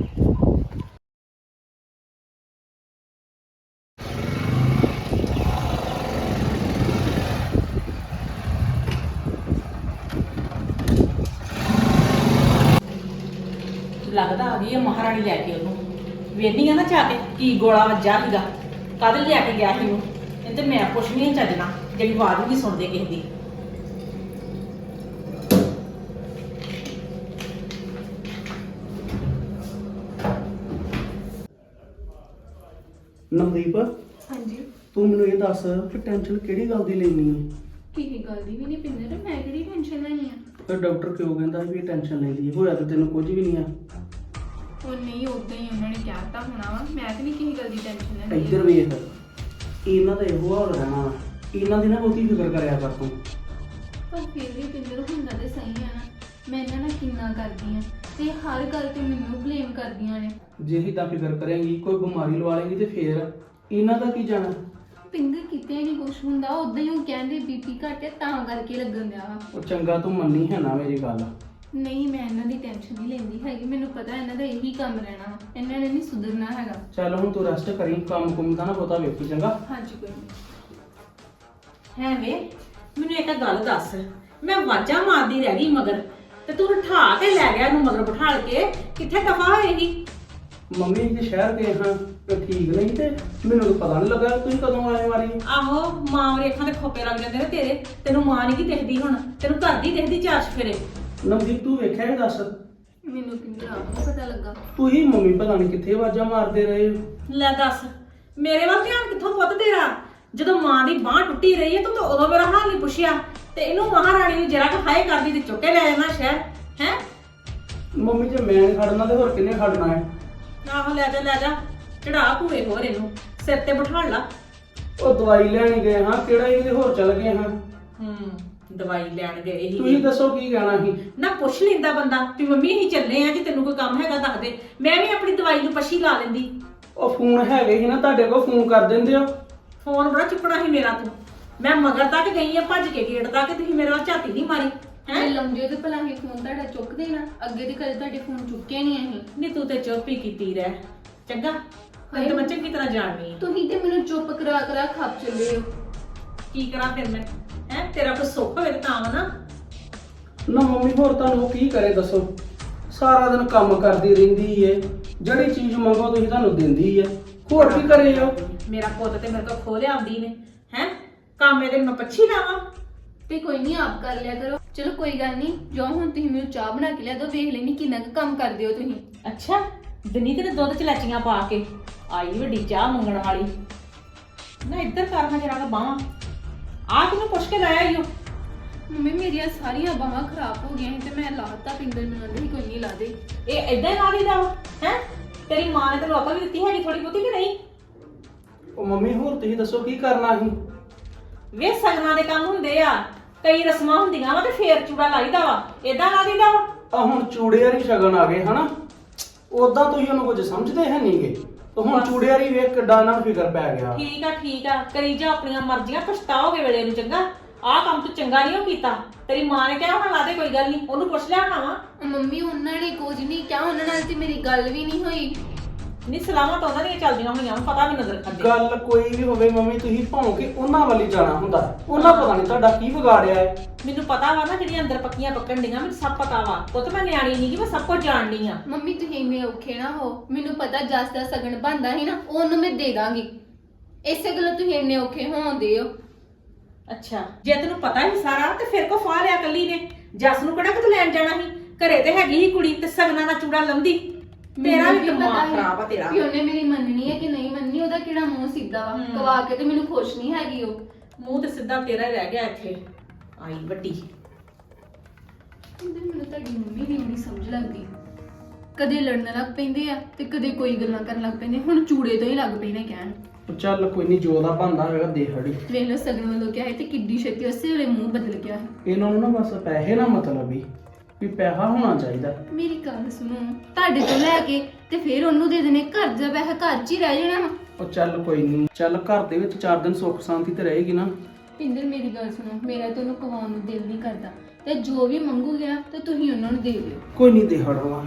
S1: ਲੱਗਦਾ ਆ ਗਈ ਹੈ ਮਹਾਰਾਣੀ ਲੈ ਕੇ ਉਹਨੂੰ। ਵੇਖਦੀ ਆ ਨਾ ਜਾ ਕੇ ਕੀ ਗੋਲਾ ਵੱਜਾ ਸੀਗਾ, ਕਦ ਲੈ ਕੇ ਗਿਆ ਸੀ ਉਹ। ਇਹ ਤੇ ਮੈਂ ਪੁੱਛਣੀ ਨਹੀਂ ਚੱਜਣਾ, ਜਿਹੜੀ ਆਵਾਜ਼ ਵੀ ਨਹੀਂ ਸੁਣਦੇ ਕਿਸੇ ਦੀ।
S5: ਨਵਦੀਪ
S2: ਹਾਂਜੀ।
S5: ਤੂੰ ਮੈਨੂੰ ਇਹ ਦੱਸ ਕਿ ਟੈਨਸ਼ਨ ਕਿਹੜੀ ਗੱਲ ਦੀ ਲੈਣੀ ਹੈ?
S2: ਕਿਸੇ ਗੱਲ ਦੀ ਵੀ ਨਹੀਂ ਪਿੰਦਰ, ਮੈਂ ਕਿਹੜੀ ਟੈਨਸ਼ਨ ਲਈ ਆ।
S5: ਤੇ ਡਾਕਟਰ ਕਿਉਂ ਕਹਿੰਦਾ ਵੀ ਟੈਨਸ਼ਨ ਲੈਂਦੀ ਹੈ? ਹੋਇਆ ਤਾਂ ਤੈਨੂੰ ਕੁਝ ਵੀ ਨਹੀਂ ਆ।
S2: ਉਹ ਨਹੀਂ, ਉਦਾਂ ਹੀ ਉਹਨਾਂ ਨੇ ਕਹਿਤਾ ਹੋਣਾ ਵਾ। ਮੈਂ ਤੇ ਨਹੀਂ ਕਿਸੇ ਗੱਲ ਦੀ ਟੈਨਸ਼ਨ ਲੈਂਦੀ।
S5: ਇੱਧਰ ਵੇਖ, ਇਹਨਾਂ ਦਾ ਇਹੋ ਹਾਲ ਰਹਿਣਾ ਵਾ। ਇਹਨਾਂ ਦੀ ਨਾ ਬਹੁਤੀ ਫਿਕਰ ਕਰਿਆ ਕਰ ਤੂੰ।
S2: ਪਰ ਫਿਰ ਵੀ ਪਿੰਦਰ ਹੁੰਦਾ ਤੇ ਸਹੀ ਆ ਨਾ। ਮੈਂ ਇਹਨਾਂ ਨਾਲ ਕਿੰਨਾ ਕਰਦੀ ਆ ਤੇ ਹਰ ਗੱਲ ਤੇ ਮੈਨੂੰ ਬਲੇਮ ਕਰਦੀਆਂ ਨੇ।
S5: ਜੇ ਏਦਾਂ ਫਿਕਰ ਕਰੇਂਗੀ, ਕੋਈ ਬਿਮਾਰੀ ਲਵਾ ਲੇਂਗੀ ਤੇ ਫੇਰ ਇਹਨਾਂ ਦਾ ਕੀ ਜਾਣਾ?
S2: ਪਿੰਦਰ ਕਿਤੇ ਨਹੀਂ ਕੁਛ ਹੁੰਦਾ, ਉਦਾਂ ਹੀ ਉਹ ਕਹਿੰਦੇ ਬੀਪੀ ਘੱਟ ਹੈ ਤਾਂ ਕਰਕੇ ਲੱਗਣ ਦਿਆ ਵਾ।
S5: ਉਹ ਚੰਗਾ ਤੂੰ ਮੰਨੀ ਹੈ ਨਾ ਮੇਰੀ ਗੱਲ।
S2: ਨਹੀਂ ਮੈਂ ਇਹਨਾਂ ਦੀ ਟੈਨਸ਼ਨ ਨਹੀਂ ਲੈਂਦੀ ਹੈਗੀ, ਮੈਨੂੰ ਪਤਾ ਇਹਨਾਂ ਦਾ ਇਹੀ ਕੰਮ ਰਹਿਣਾ ਵਾ, ਇਹਨਾਂ ਨੇ ਨਹੀਂ ਸੁਧਰਨਾ ਹੈਗਾ।
S5: ਚੱਲ ਹੁਣ ਤੂੰ ਰੈਸਟ ਕਰੀ, ਕੰਮ ਕੁੰਮ ਦਾ ਨਾ ਬਹੁਤਾ ਵੇਖੀ ਚੰਗਾ।
S2: ਹਾਂਜੀ ਕੋਈ ਨਹੀਂ।
S1: ਹੈ ਵੇ ਮੈਨੂੰ ਇੱਕ ਗੱਲ ਦੱਸ, ਮੈਂ ਵਾਜਾਂ ਮਾਰਦੀ ਰਹਿ ਗਈ ਮਗਰ ਤੇ ਤੂੰ ਉਠਾ ਕੇ ਲੈ ਗਿਆ ਇਹਨੂੰ ਮਗਰ ਬਿਠਾਲ ਕੇ। ਕਿੱਥੇ ਦਫਾ ਹੋਏਗੀ?
S5: ਮੰਮੀ ਜੇ ਸ਼ਹਿਰ ਗਏ ਹਾਂ ਤੇ ਠੀਕ ਨਹੀਂ ਤੇ ਮੈਨੂੰ ਤਾਂ ਪਤਾ ਨਹੀਂ ਲੱਗਾ ਤੁਸੀਂ ਕਦੋਂ ਆਏ ਵਾਰੀ।
S1: ਆਹੋ ਮਾਂ ਵਾਲੀ ਅੱਖਾਂ ਦੇ ਖੋਪੇ ਲੱਗ ਜਾਂਦੇ ਨੇ ਤੇਰੇ। ਤੈਨੂੰ ਮਾਂ ਨਹੀਂ ਕੀ ਦਿਖਦੀ ਹੁਣ, ਤੈਨੂੰ ਘਰ ਦੀ ਦਿਖਦੀ ਚਾਰ ਚਫੇਰੇ।
S5: ਨਵਦੀਪ ਤੂੰ ਵੇਖਿਆ ਇਹ ਦੱਸ,
S2: ਮੈਨੂੰ ਪਿੰਦਰ ਆਪ ਨੂੰ ਪਤਾ ਲੱਗਾ।
S5: ਤੂੰ ਹੀ ਮੰਮੀ ਪਤਾ ਨਹੀਂ ਕਿੱਥੇ ਆਵਾਜ਼ਾਂ ਮਾਰਦੇ ਰਹੇ ਹੋ।
S1: ਲੈ ਦੱਸ ਮੇਰੇ ਵੱਲ ਧਿਆਨ ਕਿੱਥੋਂ ਪੁੱਤ ਤੇਰਾ? ਜਦੋਂ ਮਾਂ ਦੀ ਬਾਂਹ ਟੁੱਟੀ ਰਹੀ ਹੈ ਤੂੰ ਤਾਂ ਉਦੋਂ ਮੇਰਾ ਹਾਲ ਨਹੀਂ ਪੁੱਛਿਆ ਤੇ ਇਹਨੂੰ ਮਹਾਰਾਣੀ ਨੂੰ ਜਰਾ ਕੁ ਹਾਏ ਕਰਦੀ ਤੇ ਚੁੱਕ ਕੇ ਲੈ ਜਾਣਾ ਸ਼ਹਿਰ ਹੈ।
S5: ਮੰਮੀ ਜੇ ਮੈਂ ਨੀ ਖੜਨਾ ਤੇ ਹੋਰ ਕਿੰਨੇ ਖੜਨਾ ਹੈ?
S1: ਆਹੋ ਲੈ ਜਾ ਚੜਾ ਭੂਏ ਹੋਰ ਇਹਨੂੰ ਸਿਰ ਤੇ ਬਿਠਾ ਲਾ।
S5: ਉਹ ਦਵਾਈ ਲੈਣ ਗਏ ਹਾਂ, ਕਿਹੜਾ ਇਹਦੇ ਹੋਰ ਚੱਲ ਗਏ ਹਾਂ।
S1: ਦਵਾਈ ਲੈਣ ਗਏ ਸੀ।
S5: ਤੁਸੀਂ ਦੱਸੋ ਕੀ ਕਹਿਣਾ ਸੀ?
S1: ਨਾ ਪੁੱਛ ਲੈਂਦਾ ਬੰਦਾ ਵੀ ਮੰਮੀ ਅਸੀਂ ਚੱਲੇ ਆ, ਜੇ ਤੈਨੂੰ ਕੋਈ ਕੰਮ ਹੈਗਾ ਦੱਸ ਦੇ, ਮੈਂ ਵੀ ਆਪਣੀ ਦਵਾਈ ਨੂੰ ਪਛੀ ਲਾ ਲੈਂਦੀ।
S5: ਉਹ ਫੋਨ ਹੈਗੇ ਸੀ ਨਾ ਤੁਹਾਡੇ ਕੋਲ, ਫੋਨ ਕਰ ਦਿੰਦੇ ਹੋ।
S1: ਫੋਨ ਬੜਾ ਚੁੱਕਣਾ ਸੀ ਮੇਰਾ ਤੂੰ। ਮੈਂ ਮਗਰ ਤੱਕ ਗਈ ਆ ਭੱਜ ਕੇ ਗੇਟ ਤੱਕ, ਤੁਸੀਂ ਮੇਰੇ ਵੱਲ ਝਾਤੀ ਨਹੀਂ ਮਾਰੀ ਹੈ।
S6: ਲੰਮੇ ਤੇ ਭਲਾ ਹੀ ਫੋਨ ਤੁਹਾਡਾ ਚੁੱਕ ਦੇਣਾ, ਅੱਗੇ ਦੇ ਕਦੇ ਤੁਹਾਡੇ ਫੋਨ ਚੁੱਕੇ ਨਹੀਂ ਅਸੀਂ।
S1: ਨਹੀਂ ਤੂੰ ਤੇ ਚੁੱਪ ਹੀ ਕੀਤੀ ਰਹਿ, ਚੰਗਾ ਹੁਣ ਤੇ ਮੈਂ ਚੰਗੀ ਤਰ੍ਹਾਂ ਜਾਣਦੀ ਆ।
S6: ਤੁਸੀਂ ਤੇ ਮੈਨੂੰ ਚੁੱਪ ਕਰਾ ਕਰਾ ਖੱਪ ਚੱਲੇ ਹੋ।
S1: ਕੀ ਕਰਾਂ ਫਿਰ ਮੈਂ ਹੈ, ਤੇਰਾ ਕੋਈ ਸੁੱਖ ਹੋਵੇ ਤਾਂ ਵਾ ਨਾ।
S5: ਨਾ ਮੰਮੀ ਹੋਰ ਤੁਹਾਨੂੰ ਉਹ ਕੀ ਕਰੇ ਦੱਸੋ? ਸਾਰਾ ਦਿਨ ਕੰਮ ਕਰਦੀ ਰਹਿੰਦੀ ਏ, ਜਿਹੜੀ ਚੀਜ਼ ਮੰਗੋ ਤੁਸੀਂ ਤੁਹਾਨੂੰ ਦਿੰਦੀ ਏ, ਹੋਰ ਕੀ ਕਰੇ ਉਹ?
S1: ਮੇਰਾ ਪੁੱਤ ਤੇ ਮੇਰੇ ਕੋਲ ਖੋ ਲਿਆਉਂਦੀ ਨੇ ਹੈ, ਕੰਮ ਇਹਦੇ ਮੈਂ ਪੱਛੀ ਲਾਵਾਂ।
S6: ਤੇ ਕੋਈ ਨਹੀਂ ਆਪ ਕਰ ਲਿਆ ਕਰੋ। ਚਲੋ ਕੋਈ ਗੱਲ ਨਹੀਂ, ਜੋ ਹੁਣ ਤੁਸੀਂ ਮੈਨੂੰ ਚਾਹ ਬਣਾ ਕੇ ਲਿਆ ਦੋ, ਵੇਖ ਲੈਣੀ ਕਿੰਨਾ ਕੁ ਕੰਮ ਕਰਦੇ ਹੋ ਤੁਸੀਂ।
S1: ਅੱਛਾ ਦਿਨੀ ਤੇ ਦੁੱਧ ਚ ਲੈਚੀਆਂ ਪਾ ਕੇ ਆਈ ਵੱਡੀ ਚਾਹ ਮੰਗਣ ਵਾਲੀ। ਨਾ ਇੱਧਰ ਕਰ ਹਾਂ ਜਰਾ ਬਾਹਾਂ, ਆ ਤੈਨੂੰ ਪੁੱਛ ਕੇ ਲਾਇਆ ਈਓ।
S6: ਮੰਮੀ ਮੇਰੀਆਂ ਸਾਰੀਆਂ ਬਾਹਾਂ ਖਰਾਬ ਹੋ ਗਈਆਂ ਸੀ ਤੇ ਮੈਂ ਲਾਤਾ, ਪਿੰਦਰ ਮੈਨੂੰ ਕਹਿੰਦੇ ਸੀ ਕੋਈ ਨਹੀਂ ਲਾ ਦੇ।
S1: ਇਹ ਏਦਾਂ ਹੀ ਲਾ ਦੇਦਾ ਹੈ? ਤੇਰੀ ਮਾਂ ਨੇ ਤੈਨੂੰ ਅਕਲ ਵੀ ਦਿੱਤੀ ਹੈਗੀ ਥੋੜੀ ਬਹੁਤੀ ਕਿ ਨਹੀਂ?
S5: ਉਹ ਮੰਮੀ ਹੋਰ ਤੁਸੀਂ ਦੱਸੋ ਕੀ ਕਰਨਾ ਸੀ?
S1: ਵੇ ਸਗਨਾਂ ਦੇ ਕੰਮ ਹੁੰਦੇ ਆ, ਕਈ ਰਸਮਾਂ ਹੁੰਦੀਆਂ ਵਾ ਤੇ ਫੇਰ ਚੂੜਾ ਲਾਈਦਾ ਵਾ, ਏਦਾਂ ਲਾ ਦੀਦਾ ਵਾ।
S5: ਆ ਹੁਣ ਚੂੜੇ ਵਾਲੀ ਸ਼ਗਨ ਆ ਗਏ ਹਨਾ, ਉਦਾਂ ਤੁਸੀਂ ਉਹਨੂੰ ਕੁਝ ਸਮਝਦੇ ਹੈ ਨਹੀਂਗੇ। ਤੇ ਹੁਣ ਚੂੜੇ ਵਾਲੀ ਵੇਖ ਕਿੱਡਾ ਇਹਨਾਂ ਨੂੰ ਫਿਕਰ ਪੈ ਗਿਆ।
S1: ਠੀਕ ਆ ਕਰੀ ਜਾ ਆਪਣੀਆਂ ਮਰਜ਼ੀਆਂ, ਪਛਤਾਓਗੇ ਵੇਲੇ ਨੂੰ। ਚੰਗਾ ਆਹ ਕੰਮ ਤੂੰ ਚੰਗਾ ਨਹੀਂ ਉਹ ਕੀਤਾ। ਤੇਰੀ ਮਾਂ ਨੇ ਕਿਹਾ ਹੁਣ ਲਾ ਦੇ, ਕੋਈ ਗੱਲ ਨਹੀਂ, ਉਹਨੂੰ ਪੁੱਛ ਲਿਆ ਹੋਣਾ ਵਾ।
S6: ਮੰਮੀ ਉਹਨਾਂ ਨੇ ਕੁਝ ਨਹੀਂ ਕਿਹਾ, ਉਹਨਾਂ ਨਾਲ ਤੇ ਮੇਰੀ ਗੱਲ ਵੀ ਨਹੀਂ ਹੋਈ।
S1: ਨਹੀਂ ਸਲਾਮਾਂ ਤਾਂ ਉਹਨਾਂ ਦੀਆਂ ਚੱਲਦੀਆਂ ਹੋਈਆਂ, ਪਤਾ ਵੀ ਨਜ਼ਰ ਖਾਂਦੇ।
S5: ਗੱਲ ਕੋਈ ਵੀ ਹੋਵੇ ਮੰਮੀ, ਤੁਸੀਂ ਭਾਵੇਂ ਕਿ ਉਹਨਾਂ ਵੱਲ ਹੀ ਜਾਣਾ ਹੁੰਦਾ। ਉਹਨਾਂ ਪਤਾ ਨਹੀਂ ਤੁਹਾਡਾ ਕੀ ਵਿਗਾੜਿਆ ਹੈ।
S1: ਮੈਨੂੰ ਪਤਾ ਵਾ ਨਾ ਜਿਹੜੀਆਂ ਅੰਦਰ ਪੱਕੀਆਂ ਪੱਕਣ ਡੀਆਂ, ਮੈਨੂੰ ਸਭ ਪਤਾ ਵਾ। ਉਹ ਤਾਂ ਮੈਂ ਨਿਆਣੀ ਨਹੀਂ ਕਿ ਮੈਂ ਸਭ ਕੁਝ ਜਾਣਦੀ ਆ।
S6: ਮੰਮੀ ਤੁਸੀਂ ਇੰਨੇ ਔਖੇ ਨਾ ਹੋ, ਮੈਨੂੰ ਪਤਾ ਜਸ ਦਾ ਸਗਨ ਬਣਦਾ ਸੀ ਨਾ, ਉਹਨੂੰ ਮੈਂ ਦੇ ਦਾਂਗੀ। ਇਸੇ ਗੱਲੋਂ ਤੁਸੀਂ ਇੰਨੇ ਔਖੇ ਹੋਉਂਦੇ ਹੋ।
S1: ਅੱਛਾ ਜੇ ਤੈਨੂੰ ਪਤਾ ਹੀ ਸਾਰਾ ਤੇ ਫਿਰ ਕੋ ਫਾ ਲਿਆ ਕੱਲੀ ਨੇ? ਜੱਸ ਨੂੰ ਕਿਹੜਾ ਕਿਤੇ ਲੈਣ ਜਾਣਾ ਸੀ? ਘਰੇ ਤੇ ਹੈਗੀ ਹੀ ਕੁੜੀ ਤੇ ਸਗਨਾਂ ਦਾ ਚੂੜਾ ਲਾਉਂਦੀ। ਤੇਰਾ ਵੀ ਦਿਮਾਗ ਖਰਾਬ ਆ ਤੇਰਾ।
S6: ਵੀ ਉਹਨੇ ਮੇਰੀ ਮੰਨਣੀ ਹੈ ਕਿ ਨਹੀਂ ਮੰਨਣੀ, ਉਹਦਾ ਕਿਹੜਾ ਮੂੰਹ ਸਿੱਧਾ ਵਾ। ਕਵਾ ਕੇ ਤੇ ਮੈਨੂੰ ਖੁਸ਼ ਨਹੀਂ ਹੈਗੀ ਉਹ।
S1: ਮੂੰਹ ਤੇ ਸਿੱਧਾ ਤੇਰਾ ਹੀ ਰਹਿ ਗਿਆ ਇੱਥੇ। ਆਈ ਵੱਡੀ
S6: ਮੈਨੂੰ ਤੁਹਾਡੀ ਮੰਮੀ ਦੀ ਨਹੀਂ ਸਮਝ ਲੱਗਦੀ। ਕਦੇ ਲੜਨ ਲੱਗ ਪੈਂਦੇ ਆ ਤੇ ਕਦੇ ਕੋਈ ਗੱਲਾਂ ਕਰਨ ਲੱਗ ਪੈਂਦੇ। ਹੁਣ ਚੂੜੇ ਤੋਂ ਹੀ ਲੱਗ ਪਏ ਨੇ ਕਹਿਣ।
S5: ਉਹ ਚੱਲ ਕੋਈ ਨਹੀਂ, ਜੋ ਦਾ ਬਣਦਾ ਹੋਵੇਗਾ ਦੇ ਹੜੀ।
S6: ਵੇਖ ਲਓ ਸਗਨ ਵੱਲੋਂ ਕਿਹਾ ਹੈ ਤੇ ਕਿੱਡੀ ਛੇਤੀ ਉਸੇ ਵੇਲੇ ਮੂੰਹ ਬਦਲ ਗਿਆ ਹੈ।
S5: ਇਹਨਾਂ ਨੂੰ ਨਾ ਬਸ ਪੈਸੇ ਨਾ ਮਤਲਬ ਵੀ ਪੈਸਾ ਹੋਣਾ ਚਾਹੀਦਾ।
S6: ਮੇਰੀ ਗੱਲ ਸੁਣੋ, ਤੁਹਾਡੇ ਤੋਂ ਲੈ ਕੇ ਤੇ ਫਿਰ ਉਹਨੂੰ ਦੇ ਦੇਣੇ, ਘਰ ਦਾ ਪੈਸਾ ਘਰ 'ਚ ਹੀ ਰਹਿ ਜਾਣਾ ਵਾ।
S5: ਉਹ ਚੱਲ ਕੋਈ ਨਹੀਂ, ਚੱਲ ਘਰ ਦੇ ਵਿੱਚ 4 ਦਿਨ ਸੁੱਖ ਸ਼ਾਂਤੀ ਤੇ ਰਹੇਗੀ ਨਾ।
S6: ਪਿੰਦਰ ਮੇਰੀ ਗੱਲ ਸੁਣੋ, ਮੇਰਾ ਤਾਂ ਉਹਨੂੰ ਕਵਾਉਣ ਨੂੰ ਦਿਲ ਨਹੀਂ ਕਰਦਾ ਤੇ ਜੋ ਵੀ ਮੰਗੂਗੇ ਨਾ ਤੇ ਤੁਸੀਂ ਉਹਨਾਂ ਨੂੰ ਦੇ ਦਿਓ।
S5: ਕੋਈ ਨਹੀਂ ਦੇ ਹੜਵਾ।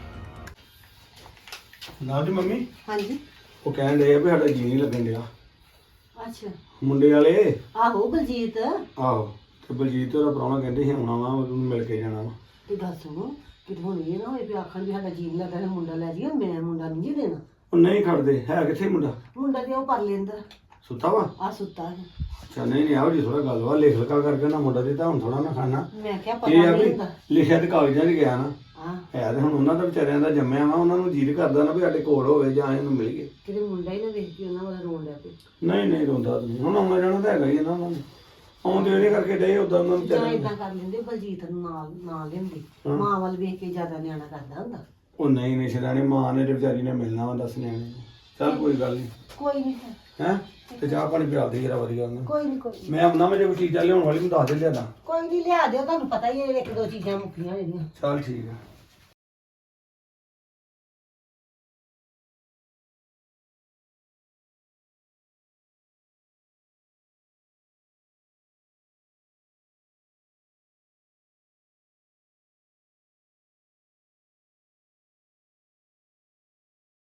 S7: ਨਾ ਜੀ ਮੰਮੀ,
S8: ਹਾਂਜੀ
S7: ਉਹ ਕਹਿਣ ਡਏ ਆ ਵੀ ਸਾਡਾ ਜੀ ਨਹੀਂ ਲੱਗਣ ਡਿਆ
S8: ਅੱਛਾ
S7: ਮੁੰਡੇ ਵਾਲੇ।
S8: ਆਹੋ ਬਲਜੀਤ
S7: ਆਹੋ, ਤੇ ਬਲਜੀਤ ਉਹਦਾ ਪ੍ਰਾਹੁਣਾ ਕਹਿੰਦੇ ਸੀ ਆਉਣਾ ਵਾ, ਉਹਨੂੰ ਮਿਲ ਕੇ ਜਾਣਾ ਵਾ।
S8: ਤੇ ਗੱਲ ਸੁਣੋ, ਕਿਤੇ ਹੁਣ ਇਹ ਨਾ ਹੋਏ ਵੀ ਆਖਣ ਵੀ ਸਾਡਾ ਜੀਵ ਲੱਗਾ ਹੈ ਮੁੰਡਾ ਲੈ ਜੀ, ਮੈਂ ਮੁੰਡਾ ਨਹੀਂ ਜੀ ਦੇਣਾ।
S7: ਉਹ ਨਹੀਂ ਖੜਦੇ, ਹੈ ਕਿੱਥੇ ਮੁੰਡਾ?
S8: ਮੁੰਡਾ ਤੇ ਉਹ ਕਰ ਲੈਂਦਾ,
S7: ਸੁੱਤਾ ਵਾ?
S8: ਆ ਸੁੱਤਾ ਹੈ।
S7: ਅੱਛਾ, ਨਹੀਂ ਆਹੋ ਜੀ ਥੋੜਾ ਗੱਲ ਵਾ, ਲਿਖ ਲਿਖਾ ਕਰਕੇ ਨਾ ਮੁੰਡਾ ਦਿੱਤਾ, ਹੁਣ ਥੋੜਾ ਨਾ ਖਾਣਾ।
S8: ਮੈਂ ਕਿਹਾ ਪਤਾ
S7: ਇਹ ਆ
S8: ਨਹੀਂ
S7: ਵੀ
S8: ਹੁੰਦਾ।
S7: ਲਿਖਿਆ ਤੇ ਕਾਗਜ਼ਾਂ 'ਚ ਗਿਆ ਨਾ,
S8: ਹਾਂ
S7: ਹੈ ਤੇ ਹੁਣ ਉਹਨਾਂ ਦਾ ਵਿਚਾਰਿਆਂ ਦਾ ਜੰਮਿਆ ਵਾ, ਉਹਨਾਂ ਨੂੰ ਜੀਦ ਕਰਦਾ ਨਾ ਵੀ ਸਾਡੇ ਕੋਲ ਹੋਵੇ ਜਾਂ ਇਹਨੂੰ ਮਿਲੀਏ।
S8: ਕਿਤੇ ਮੁੰਡਾ ਹੀ ਨਾ ਵੇਖ ਕੇ ਉਹਨਾਂ ਵਾਲਾ ਰੋਣ ਲੱਗ ਪਏ।
S7: ਨਹੀਂ ਰੋਂਦਾ ਨਹੀਂ, ਹੁਣ ਆਉਣਾ ਜਾਣਾ ਤਾਂ ਹੈਗਾ ਹੀ ਹੈ ਨਾ ਉਹਨਾਂ ਨੂੰ। ਆਉਂਦੇ ਇਹਦੇ ਕਰਕੇ ਡੇ ਉਦਾਂ ਉਹਨਾਂ ਨੂੰ
S8: ਜਾਂ
S7: ਵਿਚਾਰਿਆਂ
S8: ਇਦਾਂ
S7: ਨੂੰ।
S8: ਕਰ ਲੈਂਦੇ ਬਲਜੀਤ ਨੂੰ ਨਾਲ ਲੈਂਦੇ,
S7: ਹਾਂ।
S8: ਮਾਂ ਵੱਲ ਵੇਖ ਕੇ ਜ਼ਿਆਦਾ ਨਿਆਣਾ ਕਰਦਾ ਹੁੰਦਾ।
S7: ਉਹ ਨਹੀਂ ਸ਼ਰਾਣੀ, ਮਾਂ ਨੇ ਤੇ ਵਿਚਾਰੀ ਨੇ ਮਿਲਣਾ ਵਾ, ਦੱਸ ਨਿਆਣੇ ਨੂੰ। ਚੱਲ ਕੋਈ ਗੱਲ ਨਹੀਂ
S8: ਕੋਈ ਨਹੀਂ
S7: ਹੈ, ਤੇ ਚਾਹ ਪਾਣੀ ਪਿਆ ਦੇ ਜਰਾ ਵਧੀਆ ਉਹਨੂੰ।
S8: ਕੋਈ ਨਹੀਂ
S7: ਮੈਂ ਆਪਣਾ ਜੇ ਕੋਈ ਚੀਜ਼ਾਂ ਲਿਆਉਣ ਵਾਲੀ ਮੈਂ ਦੱਸ ਦੇ ਲਿਆਦਾ।
S8: ਕੋਈ ਨਹੀਂ ਲਿਆ ਦਿਓ, ਤੁਹਾਨੂੰ ਪਤਾ ਹੀ ਹੈ ਇੱਕ ਦੋ ਚੀਜ਼ਾਂ ਮੁੱਕੀਆਂ ਜਿਹੜੀਆਂ।
S7: ਚੱਲ ਠੀਕ ਆ।